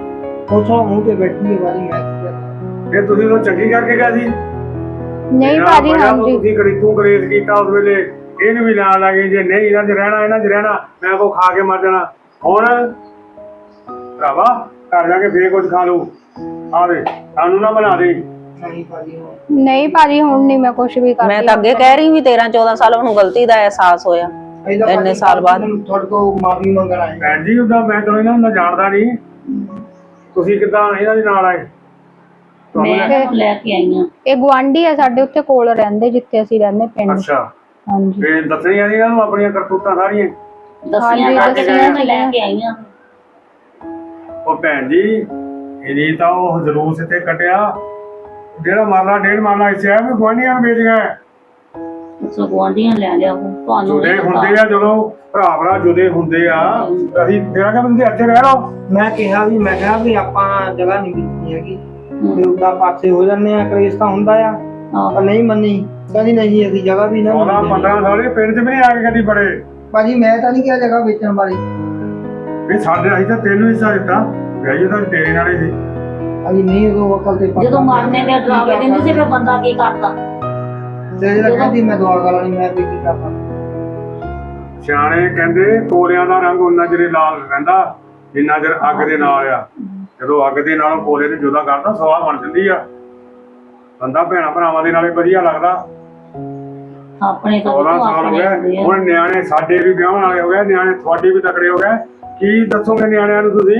A: ਪੁੱਛੋ ਮੂੰਹ ਤੇ ਬੈਠੀ ਹੈ ਵਾਰੀ ਮੈਂ ਕੀ ਕਰਨਾ।
E: ਫਿਰ ਤੁਸੀਂ ਉਹ ਚੰਗੀ ਕਰਕੇ ਗਿਆ ਸੀ
B: ਨਹੀਂ
E: ਜਿਹੜਾ
B: ਭਾਜੀ
E: ਵਜ੍ਹਾ ਤੋਂ
B: ਹਾਂਜੀ
E: ਤੁਸੀਂ ਕੜੀ ਤੂੰ ਗਰੇਜ਼ ਕੀਤਾ ਉਸ ਵੇਲੇ ਇਹਨੂੰ ਵੀ ਨਾਲ ਲੱਗੇ ਜੇ ਨਹੀਂ ਇਹਨਾਂ 'ਚ ਰਹਿਣਾ ਇਹਨਾਂ 'ਚ ਰਹਿਣਾ ਮੈਂ ਕੋ ਖਾ ਕੇ ਮਰ ਜਾਣਾ। ਹੁਣ ਭਰਾਵਾ ਘਰ ਜਾ ਕੇ ਫੇਰ ਕੁਝ ਖਾ ਲੂ ਆਵੇ ਸਾਨੂੰ ਨਾ ਬਣਾ ਦੇ।
A: ਨਹੀਂ ਭਾਜੀ ਉਹ
B: ਨਹੀਂ ਭਾਜੀ ਹੁਣ ਨਹੀਂ ਮੈਂ ਕੁਝ ਵੀ ਕਰਦੀ।
D: ਮੈਂ ਤਾਂ ਅੱਗੇ ਕਹਿ ਰਹੀ ਵੀ ਤੇਰਾਂ ਚੌਦਾਂ ਸਾਲ ਉਹਨੂੰ ਗਲਤੀ ਦਾ ਅਹਿਸਾਸ ਹੋਇਆ
A: ਇਹਦਾ
D: ਇੰਨੇ
A: ਭਾਜੀ
D: ਸਾਲ ਬਾਅਦ।
A: ਤੁਹਾਡੇ ਕੋਲ ਮਾਫੀ ਮੰਗਣ ਆਏ।
E: ਭੈਣ ਜੀ ਉਦਾਂ ਮੈਂ ਚਲੋ ਇਹਨਾਂ ਨੂੰ ਜਾਣਦਾ ਨਹੀਂ ਤੁਸੀਂ ਕਿੱਦਾਂ ਇਹਨਾਂ ਦੇ ਨਾਲ ਆਏ? ਤੁਹਾਨੂੰ ਲੈ-
C: ਮੈਂ ਲੈ ਕੇ ਆਈ ਆ।
B: ਇਹ ਗੁਆਂਢੀ ਆ ਸਾਡੇ ਉੱਥੇ ਕੋਲ ਰਹਿੰਦੇ ਜਿੱਥੇ ਅਸੀਂ ਰਹਿੰਦੇ ਪਿੰਡ।
E: ਅੱਛਾ
B: ਹਾਂਜੀ
E: ਤੇ ਦੱਸਣੀਆਂ ਇਹਨਾਂ ਨੂੰ ਆਪਣੀਆਂ ਕਰਤੂਤਾਂ ਸਾਰੀਆਂ।
C: ਦੱਸੀਆਂ
B: ਹਾਂਜੀ,
C: ਕਰਕੇ
B: ਦੱਸੀਆਂ
C: ਮੈਂ ਲੈ ਕੇ ਆਈ ਆ।
E: ਉਹ ਭੈਣ ਜੀ ਇਹਦੀ ਤਾਂ ਉਹ ਜਲੂਸ ਇੱਥੇ ਕੱਟਿਆ ਜਿਹੜਾ ਮਾਰਨਾ ਡੇਢ ਮਾਰਨਾ ਇੱਥੇ ਆ ਵੀ ਗੁਆਂਢੀਆਂ ਨੂੰ ਵੇਚ ਗਿਆ।
C: ਸੋ ਗੁਆਂਢੀਆਂ ਲੈ ਲਿਆ ਉਹ ਤੁਹਾਨੂੰ
E: ਜੁਦੇ
C: ਨਹੀਂ ਪਤਾ।
E: ਹੁੰਦੇ ਆ ਜਦੋਂ ਭਰਾ ਭਰਾ ਜੁਦੇ ਹੁੰਦੇ ਆ ਅਸੀਂ ਤੇਰਾ ਕਿ ਤੁਸੀਂ ਇੱਥੇ ਰਹਿ ਰਹੋ।
A: ਮੈਂ ਕਿਹਾ ਵੀ ਮੈਂ ਕਿਹਾ ਵੀ ਆਪਾਂ ਜਗ੍ਹਾ ਨਹੀਂ ਵੇਚਣੀ ਹੈਗੀ ਵੀ ਉਦਾਂ ਪਾਸੇ ਹੋ ਜਾਂਦੇ ਆ ਕਲੇਸ਼ ਤਾਂ ਹੁੰਦਾ ਆ
C: ਹਾਂ।
A: ਪਰ ਨਹੀਂ ਮੰਨੀ ਕਹਿੰਦੀ ਨਹੀਂ ਅਸੀਂ ਜਗ੍ਹਾ ਵੀ ਨਾ
E: ਚੌਦਾਂ
A: ਵੇਚਣੀ।
E: ਪੰਦਰਾਂ ਸਾਲ ਇਹ ਪਿੰਡ 'ਚ ਵੀ ਨਹੀਂ ਆ ਕੇ ਕਦੀ ਬੜੇ
A: ਭਾਜੀ ਮੈਂ ਤਾਂ ਨਹੀਂ ਕਿਹਾ ਜਗ੍ਹਾ ਵੇਚਣ ਬਾਰੇ।
E: ਵੀ ਸਾਡੇ ਅਸੀਂ ਤਾਂ ਤੈਨੂੰ ਹਿੱਸਾ ਦਿੱਤਾ ਗਈ ਤਾਂ ਤੇਰੇ ਨਾਲ ਹੀ ਸੀ।
A: ਅਸੀਂ ਨਹੀਂ ਉਦੋਂ ਅਕਲ ਤੇ
C: ਜਦੋਂ ਮਾਰਨੇ ਦੇ ਡਰਾਵੇ ਦਿੰਦੇ ਸੀ ਫਿਰ ਬੰਦਾ ਕੀ ਕਰਦਾ?
A: ਤੇ ਜਿਹੜਾ ਕਹਿੰਦੀ ਮੈਂ ਦੁਆ ਕਰਾਂ ਨਹੀਂ ਮੈਂ ਵੀ ਕੀ ਕਰਦਾ।
E: ਸਿਆਣੇ ਕਹਿੰਦੇ ਕੋਲਿਆਂ ਦਾ ਰੰਗ ਉਨਾ ਚਿਰ ਲਾਲ ਰਹਿੰਦਾ ਜਿੰਨਾ ਚਿਰ ਅੱਗ ਦੇ ਨਾਲ ਆ। ਜਦੋਂ ਅੱਗ ਦੇ ਨਾਲੋਂ ਕੋਲੇ ਨੂੰ ਜੁਦਾ ਕਰਦਾ ਸਵਾਹ ਬਣ ਜਾਂਦੀ ਆ। ਬੰਦਾ ਭੈਣਾਂ ਭਰਾਵਾਂ ਦੇ ਨਾਲੇ ਵਧੀਆ ਲੱਗਦਾ।
C: ਆਪਣੇ ਤਾਂ
E: ਚੌਦਾਂ ਸਾਲ ਹੋ ਗਏ ਹੁਣ ਨਿਆਣੇ ਸਾਡੇ ਵੀ ਵਿਆਹਣ ਵਾਲੇ ਹੋ ਗਏ ਨਿਆਣੇ ਤੁਹਾਡੇ ਵੀ ਤਕੜੇ ਹੋ ਗਏ ਕੀ ਦੱਸੋਗੇ ਨਿਆਣਿਆਂ ਨੂੰ ਤੁਸੀਂ?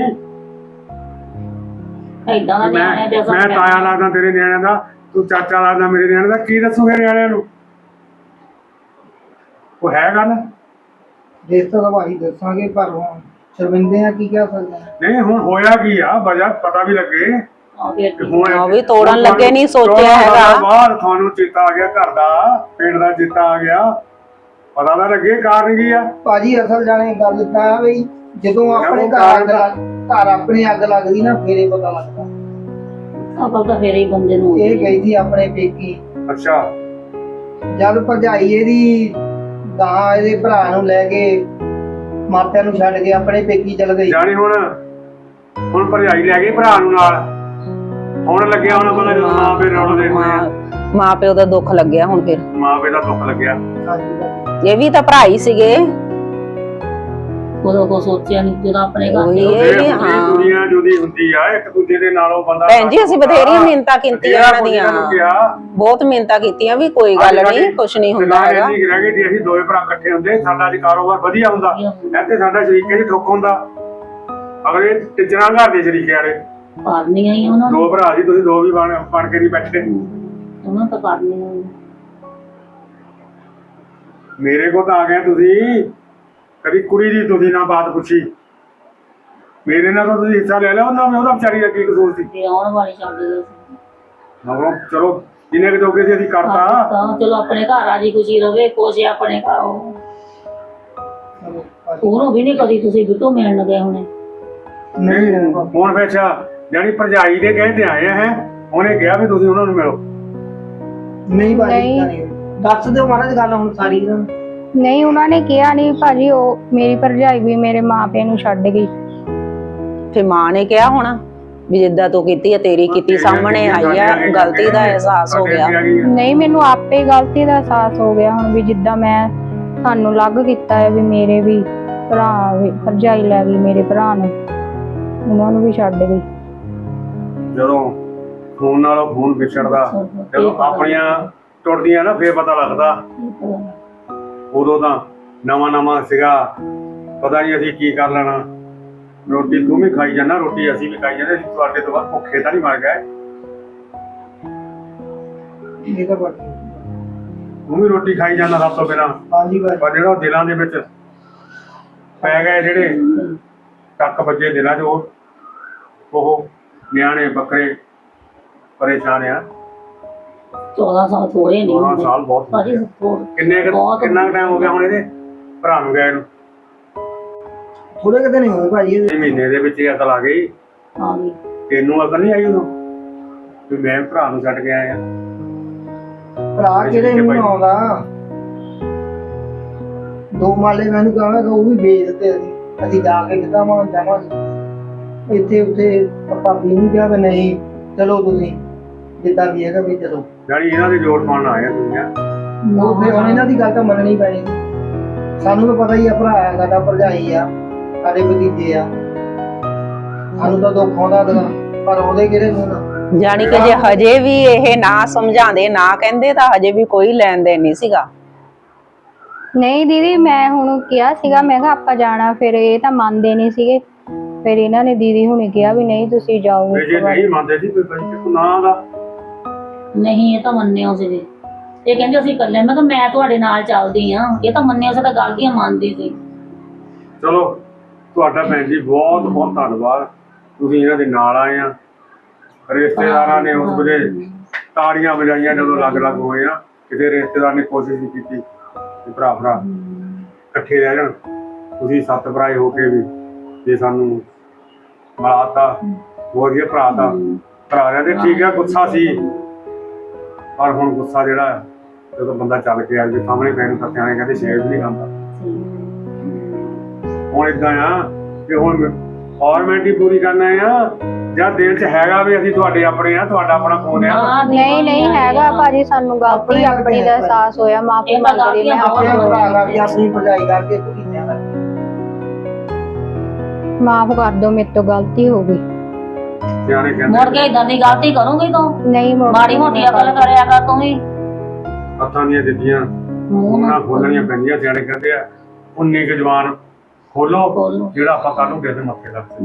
C: ਏਦਾਂ ਦਾ
E: ਮੈਂ
C: ਨਿਆਣੇ ਦੇ
E: ਮੈਂ ਤਾਇਆ ਲੱਗਦਾ ਤੇਰੇ ਨਿਆਣਿਆਂ ਦਾ ਤੂੰ ਚਾਚਾ ਲੱਗਦਾ ਮੇਰੇ ਨਿਆਣੇ ਦਾ ਕੀ ਦੱਸੋਗੇ ਨਿਆਣਿਆਂ ਨੂੰ? ਉਹ ਹੈ ਗੱਲ
A: ਦੇਖ ਤਾਂ ਭਾਈ ਦੱਸਾਂਗੇ ਪਰ ਹੁਣ ਸ਼ਰਮਿੰਦੇ ਆ ਕੀ ਕਹਿ ਸਕਦੇ ਆ।
E: ਨਹੀਂ ਹੁਣ ਹੋਇਆ ਕੀ ਆ ਵਜ੍ਹਾ ਪਤਾ ਵੀ ਲੱਗੇ।
C: ਆ ਫਿਰ
E: ਤੇ ਹੁਣ
D: ਉਹ ਵੀ ਤੋੜਨ ਲੱਗੇ ਨਹੀਂ ਸੋਚਿਆ
E: ਚੌਦਾਂ ਸਾਲਾਂ
D: ਹੈਗਾ।
E: ਬਾਅਦ ਤੁਹਾਨੂੰ ਚੇਤਾ ਆ ਗਿਆ ਘਰ ਦਾ ਪਿੰਡ ਦਾ ਚੇਤਾ ਆ ਗਿਆ ਪਤਾ ਤਾਂ ਲੱਗੇ ਕਾਰਨ ਕੀ ਆ।
A: ਭਾਜੀ ਅਸਲ ਜਾਣੇ ਗੱਲ ਤਾਂ ਆ ਬਈ ਜਦੋਂ ਆਪਣੇ
E: ਉਹ
A: ਘਰ ਅੱਗ
E: ਕਾਰਨ
A: ਲੱਗ ਘਰ ਆਪਣੇ ਅੱਗ ਲੱਗਦੀ ਨਾ ਫੇਰੇ ਪਤਾ ਲੱਗਦਾ।
C: ਅਕਲ ਤਾਂ ਫੇਰ ਹੀ ਬੰਦੇ ਨੂੰ
A: ਇਹ ਗਈ ਸੀ ਆਪਣੇ ਪੇਕੀ
E: ਅੱਛਾ
A: ਜਦ ਭਰਜਾਈ ਇਹਦੀ ਗਾਂ ਇਹਦੇ ਭਰਾ ਨੂੰ ਲੈ ਕੇ ਮਾਪਿਆਂ ਨੂੰ ਛੱਡ ਕੇ ਆਪਣੇ ਪੇਕੀ ਚਲ ਗਈ।
E: ਜਾਣੀ ਹੁਣ ਹੁਣ ਭਰਜਾਈ ਲੈ ਗਈ ਭਰਾ ਨੂੰ ਨਾਲ ਹੁਣ ਲੱਗਿਆ ਹੁਣ ਪਤਾ ਜਦੋਂ ਮਾਂ ਪਿਓ ਰੌਣ ਦੇ
D: ਮਾਂ ਮਾਂ ਪਿਓ ਦਾ ਦੁੱਖ ਲੱਗਿਆ ਹੁਣ ਫਿਰ।
E: ਮਾਂ ਪਿਓ ਦਾ ਦੁੱਖ ਲੱਗਿਆ।
A: ਹਾਂਜੀ ਭਾਜੀ।
D: ਇਹ ਵੀ ਤਾਂ ਭਰਾ ਹੀ ਸੀਗੇ।
C: ਉਦੋਂ ਕੋ ਸੋਚਿਆ ਨਹੀਂ ਜਦੋਂ ਆਪਣੇ ਘਰ
D: ਉਹੀ
C: ਦੇ
D: ਇਹ
E: ਇਹ
D: ਵੀ
E: ਹੁੰਦੀ
D: ਹਾਂ।
E: ਦੁਨੀਆ ਜੁਦੀ ਹੁੰਦੀ ਆ ਇੱਕ ਦੂਜੇ ਦੇ ਨਾਲੋਂ ਬੰਦਾ
D: ਭੈਣ ਜੀ ਅਸੀਂ ਬਥੇਰੀਆਂ ਮਿਹਨਤਾਂ ਕੀਤੀਆਂ ਇਹਨਾਂ ਦੀਆਂ
E: ਕਿਹਾ
D: ਬਹੁਤ ਮਿਹਨਤਾਂ ਕੀਤੀਆਂ ਵੀ ਕੋਈ ਗੱਲ ਨਹੀਂ ਕੁਛ ਨਹੀਂ ਹੁੰਦਾ ਹੈਗਾ।
E: ਇੰਨੀ ਕੁ ਰਹਿ ਗਈ ਜੇ ਅਸੀਂ ਦੋਵੇਂ ਭਰਾ ਇਕੱਠੇ ਹੁੰਦੇ ਸਾਡਾ ਜੀ ਕਾਰੋਬਾਰ ਵਧੀਆ ਹੁੰਦਾ ਇੱਥੇ ਸਾਡਾ ਸ਼ਰੀਕੇ ਚ ਠੁੱਕ ਹੁੰਦਾ ਅਗਲੇ ਟਿਚਰਾਂ ਘਰ ਦੇ ਸ਼ਰੀਕੇ ਵਾਲੇ
C: ਕਰਨੀਆਂ ਹੀ ਉਹਨਾਂ ਨੂੰ
E: ਦੋ ਭਰਾ ਜੀ ਤੁਸੀਂ ਦੋ ਵੀ ਬਣ ਬਣ ਕੇ ਨਹੀਂ ਬੈਠੇ।
C: ਉਹਨਾਂ ਤਾਂ ਕਰਨੀਆਂ ਹੀ।
E: ਮੇਰੇ ਕੋਲ ਤਾਂ ਆ ਗਏ ਤੁਸੀਂ ਕਦੀ ਕੁੜੀ ਦੀ ਤੁਸੀਂ ਨਾ ਬਾਤ ਪੁੱਛੀ ਮੇਰੇ ਨਾਲ ਤਾਂ ਤੁਸੀਂ ਹਿੱਸਾ ਲੈ ਲਿਆ ਉਹਨਾਂ ਨੇ ਉਹਦਾ ਵਿਚਾਰੀ ਦਾ ਕੀ ਕਸੂਰ ਸੀ।
C: ਤੇ ਆਉਣ ਵਾਲੀ ਛੱਡ ਗਏ ਸੀ।
E: ਮਗਰੋਂ ਚਲੋ ਜਿੰਨੇ ਕਿ ਜੋਗੇ ਸੀ ਅਸੀਂ ਕਰਤਾ
C: ਤਾਂ ਚਲੋ ਆਪਣੇ ਘਰ ਰਾਜੀ ਖੁਸ਼ੀ ਰਵੇ ਕੁਛ ਆਪਣੇ ਘਰ ਉਹ
A: ਚਲੋ ਭਾਜੀ।
C: ਉਹਨੂੰ ਵੀ ਨਹੀਂ ਕਦੀ ਤੁਸੀਂ ਬਿੱਟੂ ਮਿਲਣ ਗਏ ਹੁਣੇ।
A: ਨਹੀਂ ਨਹੀਂ
E: ਹੁਣ ਫਿਰ ਅੱਛਾ ਜਾਨੀ ਭਰਜਾਈ ਦੇ ਕਹੇ ਤੇ ਆਏ ਹੈ ਉਹਨੇ ਕਿਹਾ ਵੀ ਤੁਸੀਂ ਉਹਨਾਂ ਨੂੰ ਮਿਲੋ।
A: ਨਹੀਂ ਭਾਜੀ
B: ਨਹੀਂ।
A: ਏਦਾਂ ਨਹੀਂ। ਦੱਸ ਦਿਓ ਮਹਾਰਾਜ ਗੱਲ ਹੁਣ ਸਾਰੀ ਇਹਨਾਂ ਨੂੰ।
B: ਨਹੀਂ ਉਹਨਾਂ ਨੇ ਕਿਹਾ ਨਹੀਂ ਭਾਜੀ ਉਹ ਮੇਰੀ ਭਰਜਾਈ ਵੀ ਮੇਰੇ ਮਾਪਿਆਂ ਨੂੰ ਛੱਡ ਗਈ।
D: ਫਿਰ ਮਾਂ ਨੇ ਕਿਹਾ ਹੋਣਾ ਵੀ ਜਿੱਦਾਂ ਤੂੰ ਕੀਤੀ ਆ ਤੇਰੀ ਕੀਤੀ ਸਾਹਮਣੇ ਆਈ ਆ ਗਲਤੀ ਦਾ ਅਹਿਸਾਸ ਹੋ ਗਿਆ।
B: ਨਹੀਂ ਮੈਨੂੰ ਆਪੇ ਗਲਤੀ ਦਾ ਅਹਿਸਾਸ ਹੋ ਗਿਆ ਹੁਣ ਵੀ ਜਿੱਦਾਂ ਮੈਂ ਸਾਨੂੰ ਅਲੱਗ ਕੀਤਾ ਹੈ ਵੀ ਮੇਰੇ ਵੀ ਭਰਾ ਵੀ ਭਰਜਾਈ ਲੈ ਗਈ ਮੇਰੇ ਭਰਾ ਨੂੰ ਉਹਨਾਂ ਨੂੰ ਵੀ ਛੱਡ ਗਈ।
E: ਜਦੋਂ ਖੂਨ ਨਾਲੋਂ ਖੂਨ ਵਿਛੜਦਾ ਜਦੋਂ ਆਪਣੀਆਂ ਟੁੱਟਦੀਆਂ ਨਾ ਫੇਰ ਪਤਾ ਲੱਗਦਾ। ਉਦੋਂ ਤਾਂ ਨਵਾਂ ਨਵਾਂ ਸੀਗਾ ਪਤਾ ਨਹੀਂ ਅਸੀਂ ਕੀ ਕਰ ਲੈਣਾ। ਰੋਟੀ ਤੂੰ ਵੀ ਖਾਈ ਜਾਣਾ ਰੋਟੀ ਅਸੀਂ ਵੀ ਖਾਈ ਜਾਂਦੇ ਅਸੀਂ ਤੁਹਾਡੇ ਤੋਂ ਬਾਅਦ ਭੁੱਖੇ ਤਾਂ ਨਹੀਂ ਮਰ ਗਏ।
A: ਇਹ ਤਾਂ ਭਾਜੀ।
E: ਤੂੰ ਵੀ ਰੋਟੀ ਖਾਈ ਜਾਂਦਾ ਸਭ ਤੋਂ ਪਹਿਲਾਂ
A: ਹਾਂਜੀ ਭਾਜੀ।
E: ਪਰ ਜਿਹੜਾ ਉਹ ਦਿਲਾਂ ਦੇ ਵਿੱਚ ਪੈ ਗਏ ਜਿਹੜੇ ਟੱਕ ਵੱਜੇ ਦਿਲਾਂ 'ਚ ਉਹ ਉਹ ਨਿਆਣੇ ਬੱਕਰੇ ਪਰੇਸ਼ਾਨ ਆ।
C: ਚੌਦਾਂ ਸਾਲ ਥੋੜੇ ਨਹੀਂ
E: ਚੌਦਾਂ
C: ਹੁੰਦੇ
E: ਸਾਲ ਬਹੁਤ
C: ਭਾਜੀ ਥੋੜ੍ਹ-
E: ਕਿੰਨੇ ਕੁ-
C: ਬਹੁਤ
E: ਕਿੰਨਾ ਟਾਈਮ ਹੋ ਗਿਆ ਹੁਣ ਇਹਦੇ ਭਰਾ ਨੂੰ ਗਏ ਨੂੰ?
A: ਥੋੜੇ ਕਿਤੇ ਨਹੀਂ ਹੋਏ ਭਾਜੀ ਇਹਦੇ।
E: ਇਹ ਮਹੀਨੇ ਦੇ ਵਿੱਚ ਹੀ ਅਕਲ ਆ ਗਈ।
C: ਆ ਗਈ।
E: ਤੈਨੂੰ ਅਕਲ ਨਹੀਂ ਆਈ ਉਦੋਂ ਵੀ ਮੈਂ ਭਰਾ ਨੂੰ ਛੱਡ ਕੇ ਆਇਆ।
A: ਭਰਾ ਕਿਹੜੇ ਨੂੰ ਆਉਂਦਾ ਦੋ ਮਾਲੇ ਮੈਨੂੰ ਕਹਾਂਗਾ ਉਹ ਵੀ ਵੇਚ ਦਿੱਤੇ ਅਸੀਂ ਅਸੀਂ ਜਾ ਕੇ ਕਿੱਦਾਂ ਮਾਂ ਜਾਵਾਂਗੇ। ਇੱਥੇ ਉੱਥੇ ਭਾਬੀ ਨੂੰ ਕਿਹਾ ਵੀ ਨਹੀਂ ਚਲੋ ਤੁਸੀਂ ਜਿੱਦਾਂ ਵੀ ਹੈਗਾ ਵੀ ਚਲੋ।
E: ਯਾਨੀ ਇਹਨਾਂ ਦੇ ਜੋੜ ਪਾਉਣ ਆਏ ਆ ਦੁਨੀਆ।
A: ਉਹ ਫਿਰ ਹੁਣ ਇਹਨਾਂ ਦੀ ਗੱਲ ਤਾਂ ਮੰਨਣੀ ਪੈਣੀ। ਸਾਨੂੰ ਤਾਂ ਪਤਾ ਹੀ ਆ, ਭਰਾ ਆ ਸਾਡਾ, ਭਰਜਾਈ ਆ, ਸਾਡੇ ਭਤੀਜੇ ਆ, ਸਾਨੂੰ ਤਾਂ ਦੁੱਖ ਆਉਂਦਾ ਤਾਂ, ਪਰ ਉਹਦੇ ਕਿਹੜੇ ਨੂੰ ਨਾ।
D: ਜਾਣੀ ਕਿ ਜੇ ਹਜੇ ਵੀ ਇਹ ਨਾ ਸਮਝਾਉਂਦੇ ਨਾ ਕਹਿੰਦੇ ਤਾਂ ਹਜੇ ਵੀ ਕੋਈ ਲੈਣ ਦੇਣ ਨਹੀਂ ਸੀਗਾ।
B: ਨਹੀਂ ਦੀਦੀ, ਮੈਂ ਹੁਣ ਕਿਹਾ ਸੀਗਾ, ਮੈਂ ਕਿਹਾ ਆਪਾਂ ਜਾਣਾ, ਫਿਰ ਇਹ ਤਾਂ ਮੰਨਦੇ ਨਹੀਂ ਸੀਗੇ। ਫਿਰ ਇਹਨਾਂ ਨੇ ਦੀਦੀ ਹੁਣੇ ਕਿਹਾ ਵੀ ਨਹੀਂ ਤੁਸੀਂ ਜਾਓ।
E: ਤੇ ਜੇ ਨਹੀਂ ਮੰਨਦੇ ਸੀ ਕੋਈ ਬੰਦੇ ਨਾ ਦਾ
C: ਨਹੀਂ, ਇਹ ਤਾਂ ਮੰਨਿਓ ਸੀਗੇ। ਇਹ ਕਹਿੰਦੇ ਅਸੀਂ ਇਕੱਲੇ। ਮੈਂ ਕਿਹਾ ਮੈਂ ਤੁਹਾਡੇ ਨਾਲ ਚੱਲਦੀ ਆ। ਇਹ ਤਾਂ ਮੰਨਿਓ ਸੀ, ਤਾਂ ਗਲਤੀਆਂ ਮੰਨਦੀ ਸੀ।
E: ਚਲੋ ਤੁਹਾਡਾ ਭੈਣ ਜੀ ਬਹੁਤ ਬਹੁਤ ਧੰਨਵਾਦ, ਤੁਸੀਂ ਇਹਨਾਂ ਦੇ ਨਾਲ ਆਏ ਆ। ਰਿਸ਼ਤੇਦਾਰਾਂ ਨੇ ਉਸ ਵੇਲੇ ਤਾੜੀਆਂ ਵਜਾਈਆਂ ਜਦੋਂ ਅਲੱਗ-ਅਲੱਗ ਹੋਏ ਆ। ਕਿਸੇ ਰਿਸ਼ਤੇਦਾਰ ਨੇ ਕੋਸ਼ਿਸ਼ ਨਹੀਂ ਕੀਤੀ ਕਿ ਭਰਾ ਭਰਾ ਇਕੱਠੇ ਰਹਿ ਜਾਣ। ਤੁਸੀਂ ਸੱਤ ਭਰਾਏ ਹੋ ਕੇ ਵੀ ਜੇ ਸਾਨੂੰ ਮਿਲਾਤਾ, ਹੋਰ ਵੀ ਭਰਾ ਦਾ ਭਰਾ ਦੇ ਠੀਕ ਆ। ਗੁੱਸਾ ਸੀ, ਪਰ ਹੁਣ ਗੁੱਸਾ ਜਿਹੜਾ ਜਦੋਂ ਬੰਦਾ ਚੱਲ ਕੇ ਆ ਜੇ ਸਾਹਮਣੇ ਪੈਣ ਨੂੰ ਤਾਂ ਸਿਆਣੇ ਕਹਿੰਦੇ ਸ਼ੇਰ ਵੀ ਨਹੀਂ ਖਾਂਦਾ। ਹੁਣ ਏਦਾਂ ਆ ਕਿ ਹੁਣ ਫਾਰਮੈਲਿਟੀ ਪੂਰੀ ਕਰਨਾ ਆ ਜਾਂ ਦਿਲ 'ਚ ਹੈਗਾ ਵੀ ਅਸੀਂ ਤੁਹਾਡੇ ਆਪਣੇ ਆ, ਤੁਹਾਡਾ ਆਪਣਾ ਫੋਨ ਆ।
B: ਨਹੀਂ ਨਹੀਂ ਹੈਗਾ ਭਾਜੀ, ਸਾਨੂੰ ਗਲਤੀ ਆਪਣੀ ਦਾ ਅਹਿਸਾਸ ਹੋਇਆ, ਮਾਫੀ ਮੰਗਦੀ ਮੈਂ।
A: ਆਪਣੇ ਭਰਾ ਕਰਕੇ, ਆਪਣੀ ਭਰਜਾਈ ਕਰਕੇ, ਭਤੀਜਿਆਂ ਕਰਕੇ
B: ਮਾਫ ਕਰ ਦਿਓ, ਮੇਰੇ ਤੋਂ ਗਲਤੀ ਹੋ ਗਈ।
E: ਸਿਆਣੇ ਕਹਿੰਦੇ
C: ਮੁੜ ਕੇ ਇਦਾਂ ਦੀ ਗਲਤੀ ਕਰੂੰਗੀ ਤੂੰ?
B: ਨਹੀਂ ਮੁੜ
C: ਮਾੜੀ ਮੋਟੀ ਅਕਲ ਕਰਿਆ ਕਰ ਤੂੰ ਵੀ।
E: ਹੱਥਾਂ ਦੀਆਂ ਦਿੱਤੀਆਂ
C: ਮੂੰਹ
E: ਉਹਨਾਂ
C: ਨਾ
E: ਖੋਲਣੀਆਂ ਪੈਂਦੀਆਂ। ਸਿਆਣੇ ਕਹਿੰਦੇ ਆ ਉਨੀ ਕੁ ਜ਼ਬਾਨ ਖੋਲੋ
C: ਖੋਲੋ।
E: ਜਿਹੜਾ ਆਪਾਂ ਕੱਲ ਨੂੰ ਕਿਸੇ ਦੇ ਮੱਥੇ ਲੱਗ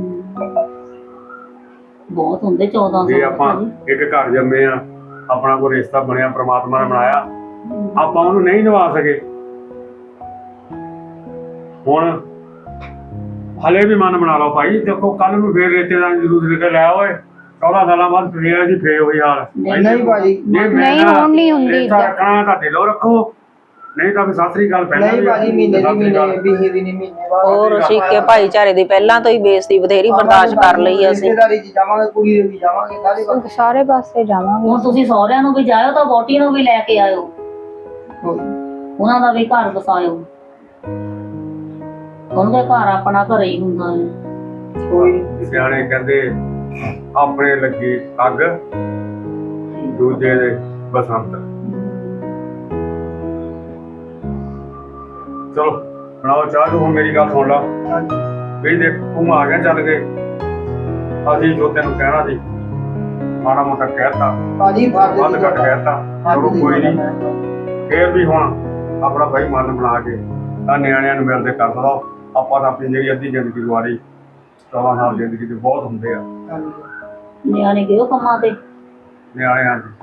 C: ਬਹੁਤ ਹੁੰਦੇ ਚੌਦਾਂ
E: ਜੇ
C: ਸੌ
E: ਆਪਾਂ ਇੱਕ ਘਰ ਜੰਮੇ ਆ, ਆਪਣਾ ਕੋਈ ਰਿਸ਼ਤਾ ਬਣਿਆ, ਪ੍ਰਮਾਤਮਾ ਨੇ ਬਣਾਇਆ, ਆਪਾਂ ਉਹਨੂੰ ਨਹੀਂ ਨਿਭਾ ਸਕੇ। ਹੁਣ ਹਲੇ ਵੀ ਮਨ ਬਣਾ ਲਓ ਭਾਈ, ਦੇਖੋ ਕੱਲ ਨੂੰ ਫੇਰ ਰਿਸ਼ਤੇਦਾਰਾਂ ਦੀ ਜ਼ਰੂਰਤ ਨਿਕਲ ਲੈ ਓਏ, ਚੌਦਾਂ ਸਾਲਾਂ ਬਾਅਦ ਫੇਰ ਜੀ ਫੇਰ ਉਹੀ ਹਾਲ।
A: ਨਹੀਂ ਭਾਜੀ,
E: ਜੇ
B: ਨਹੀਂ, ਹੁਣ ਨਹੀਂ ਹੁੰਦੀ
E: ਰਿਸ਼ਤਾ
B: ਏਦਾਂ।
E: ਰੱਖਣਾ ਤਾਂ ਦਿਲੋਂ ਰੱਖੋ, ਨਹੀਂ ਤਾਂ ਫਿਰ ਸਤਿ ਸ੍ਰੀ ਅਕਾਲ ਪਹਿਲਾਂ
A: ਨਹੀਂ
E: ਵੀ
A: ਭਾਜੀ, ਮਹੀਨੇ ਦੀ
E: ਸਤਿ ਸ੍ਰੀ ਅਕਾਲ।
A: ਮਹੀਨੇ ਵੀਹ ਦੀ ਨਹੀਂ ਮਹੀਨੇ ਬਾਅਦ
D: ਹੋਰ ਸਿੱਕੇ ਭਾਈਚਾਰੇ ਦੀ ਪਹਿਲਾਂ ਤੋਂ ਹੀ ਬੇਇੱਜ਼ਤੀ ਬਥੇਰੀ ਬਰਦਾਸ਼ਤ ਕਰ ਲਈ ਅਸੀਂ।
A: ਰਿਸ਼ਤੇਦਾਰੀ 'ਚ ਜਾਵਾਂਗੇ, ਕੁੜੀ ਦੇ ਵੀ ਜਾਵਾਂਗੇ, ਸਾਰੇ ਪਾਸੇ।
B: ਸਾਰੇ ਪਾਸੇ ਜਾਵਾਂਗੇ।
C: ਹੁਣ ਤੁਸੀਂ ਸਹੁਰਿਆਂ ਨੂੰ ਵੀ ਜਾਇਓ ਤਾਂ ਵੋਟੀ ਨੂੰ ਵੀ ਲੈ ਕੇ ਆਇਓ, ਉਹਨਾਂ ਦਾ ਵੀ ਘਰ ਵਸਾਇਓ। ਉਹਨਾਂ ਦੇ ਘਰ ਆਪਣਾ ਘਰ ਹੀ ਹੁੰਦਾ ਹੈ।
A: ਕੋਈ
E: ਸਿਆਣੇ ਕਹਿੰਦੇ ਆਪਣੇ ਲੱਗੀ ਅੱਗ, ਦੂਜੇ ਦੇ ਬਸੰਤ। ਚਲੋ ਬਣਾਓ ਚਾਹ ਨੂੰ। ਹੁਣ ਮੇਰੀ ਗੱਲ ਸੁਣ ਲਾ ਵੀ ਦੇਖ, ਤੂੰ ਆ ਗਿਆ ਚੱਲ ਕੇ, ਅਸੀਂ ਜੋ ਤੈਨੂੰ ਕਹਿਣਾ ਸੀ ਮਾੜਾ ਮੋਟਾ ਕਹਿਤਾ,
A: ਭਾਜੀ ਫਰਜ਼
E: ਵੱਧ ਘੱਟ ਕਹਿਤਾ, ਚਲੋ ਕੋਈ ਨਹੀਂ। ਫੇਰ ਵੀ ਹੁਣ ਆਪਣਾ ਭਾਈ ਮਨ ਬਣਾ ਕੇ ਤਾਂ ਨਿਆਣਿਆਂ ਨੂੰ ਮਿਲਦੇ ਕਰ ਦੋ। ਆਪਾਂ ਤਾਂ ਆਪਣੀ ਜਿਹੜੀ ਅੱਧੀ ਜ਼ਿੰਦਗੀ ਗੁਆਰੀ, ਚੌਦਾਂ ਸਾਲ ਜ਼ਿੰਦਗੀ ਦੇ ਬਹੁਤ ਹੁੰਦੇ ਆ।
C: ਨਿਆਣੇ ਗਏ ਉਹ ਕੰਮਾਂ ਤੇ।
E: ਨਿਆਣਿਆਂ ਦੀ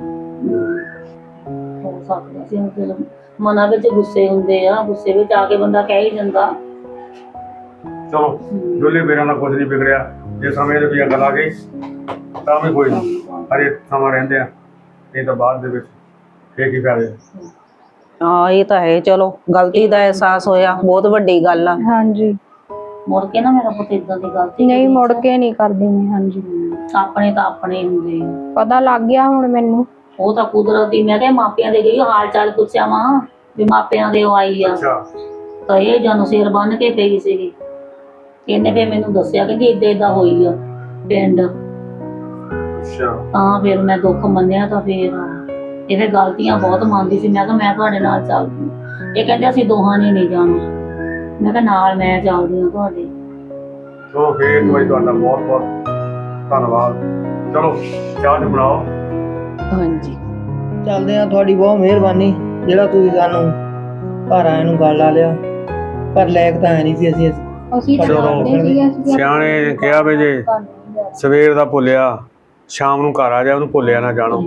C: ਹੋ ਸਕਦਾ ਸੀ ਹੁਣ ਮਨਾਂ ਵਿੱਚ ਗੁੱਸੇ ਹੁੰਦੇ ਆ, ਗੁੱਸੇ ਵਿੱਚ ਆ ਕੇ ਬੰਦਾ ਕਹਿ ਹੀ ਜਾਂਦਾ।
E: ਚਲੋ ਡੋਲੇ ਮੇਰਾ ਨਾਲ ਕੁਝ ਨਹੀਂ ਵਿਗੜਿਆ। ਜੇ ਸਮੇਂ ਦੇ ਵੀ ਗੱਲ ਆ ਗਈ ਤਾਂ ਵੀ ਕੋਈ ਨਹੀਂ, ਹਰੇ ਸਮਾਂ ਰਹਿੰਦੇ ਆ, ਨਹੀਂ ਤਾਂ ਬਾਅਦ ਦੇ ਵਿੱਚ ਫੇਰ ਕੀ ਫਾਇਦਾ।
D: ਹਾਂ ਇਹ ਤਾਂ ਹੈ। ਚਲੋ ਗਲਤੀ ਦਾ ਅਹਿਸਾਸ ਹੋਇਆ, ਬਹੁਤ ਵੱਡੀ ਗੱਲ ਆ।
B: ਹਾਂਜੀ,
C: ਮੁੜ ਕੇ ਨਾ ਮੇਰਾ ਪੁੱਤ ਇਦਾਂ ਦੀ ਗਲਤੀ
B: ਨਹੀਂ ਮੁੜ ਕੇ ਨਹੀਂ ਕਰਦੀ ਮੈਂ। ਹਾਂਜੀ,
C: ਆਪਣੇ ਤਾਂ ਆਪਣੇ ਹੁੰਦੇ ਆ।
B: ਪਤਾ ਲੱਗ ਗਿਆ ਹੁਣ ਮੈਨੂੰ।
C: ਉਹ ਤਾਂ ਕੁਦਰਤੀ। ਮੈਂ ਕਿਹਾ ਮਾਪਿਆਂ ਦੇ ਗਈ ਹਾਲ ਚਾਲ ਪੁੱਛਿਆ ਵਾਂ ਵੀ ਮਾਪਿਆਂ ਦੇ ਉਹ ਆਈ ਆ,
E: ਅੱਛਾ
C: ਤਾਂ ਇਹ ਜਾਨੂੰ ਸਿਰ ਬੰਨ ਕੇ ਪਈ ਸੀਗੀ। ਇਹਨੇ ਫੇਰ ਮੈਨੂੰ ਦੱਸਿਆ ਕਹਿੰਦੀ ਏਦਾਂ ਏਦਾਂ ਹੋਈ ਆ ਪਿੰਡ।
E: ਅੱਛਾ
C: ਤਾਂ ਫਿਰ ਮੈਂ ਦੁੱਖ ਮੰਨਿਆ। ਤਾਂ ਫਿਰ ਇਹ ਫਿਰ ਗਲਤੀਆਂ ਬਹੁਤ ਮੰਨਦੀ ਸੀ। ਮੈਂ ਕਿਹਾ ਮੈਂ ਤੁਹਾਡੇ ਨਾਲ ਚੱਲਦੀ। ਇਹ ਕਹਿੰਦੇ ਅਸੀਂ ਦੋਹਾਂ ਨੇ ਨਹੀਂ ਜਾਣਾ। ਮੈਂ ਕਿਹਾ ਨਾਲ ਮੈਂ ਚੱਲਦੀ ਹਾਂ ਤੁਹਾਡੇ।
E: ਚਲੋ ਫੇਰ ਇੱਕ ਵਾਰੀ ਤੁਹਾਡਾ ਬਹੁਤ ਬਹੁਤ ਧੰਨਵਾਦ। ਚਲੋ ਚਾਹ ਨੂੰ ਬਣਾਓ।
D: ਹਾਂਜੀ
A: ਚੱਲਦੇ ਆ, ਤੁਹਾਡੀ ਬਹੁਤ ਮਿਹਰਬਾਨੀ ਜਿਹੜਾ ਤੁਸੀਂ ਸਾਨੂੰ ਘਰ ਆਏ ਨੂੰ ਗੱਲ ਲਾ ਲਿਆ, ਪਰ ਲਾਇਕ ਤਾਂ ਹੈ ਨਹੀਂ ਸੀ ਅਸੀਂ।
B: ਅਸੀਂ ਤਾਂ
E: ਚਲੋ,
B: ਕਰਦੇ ਸੀਗੇ, ਅਸੀਂ
E: ਸਿਆਣੇ ਨੇ ਕਿਹਾ ਵੀ ਜੇ ਸਵੇਰ ਦਾ ਭੁੱਲਿਆ ਸ਼ਾਮ ਨੂੰ ਘਰ ਆ ਜਾ, ਉਹਨੂੰ ਭੁੱਲਿਆ ਨਾ ਜਾਣੋ।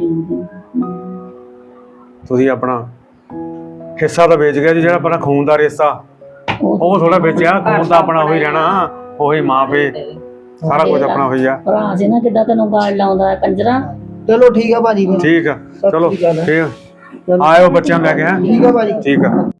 E: ਤੁਸੀਂ ਆਪਣਾ ਹਿੱਸਾ ਤਾਂ ਵੇਚ ਗਿਆ ਜੀ, ਜਿਹੜਾ ਆਪਣਾ ਖੂਨ ਦਾ ਰਿਸ਼ਤਾ ਉਹ ਥੋੜਾ ਵੇਚਿਆ। ਖੂਨ ਤਾਂ ਆਪਣਾ ਉਹੀ ਰਹਿਣਾ, ਉਹੀ ਮਾਂ ਪੇ ਸਾਰਾ ਕੁਝ ਆਪਣਾ ਹੋਈ ਆ।
C: ਭਰਾ ਸੀ ਨਾ ਕਿੱਦਾਂ ਤੈਨੂੰ ਗਾਲ ਲਾਉਂਦਾ ਹੈ ਕੰਜਰਾ।
A: ਚਲੋ ਠੀਕ ਆ ਭਾਜੀ, ਫਿਰ
E: ਠੀਕ ਆ, ਚਲੋ
A: ਸਤਿ ਸ਼੍ਰੀ ਅਕਾਲ।
E: ਠੀਕ ਆ। ਆਇਓ ਬੱਚਿਆਂ ਨੂੰ ਲੈ ਕੇ। ਹੈਂ
A: ਠੀਕ ਆ ਭਾਜੀ।
E: ਠੀਕ ਆ।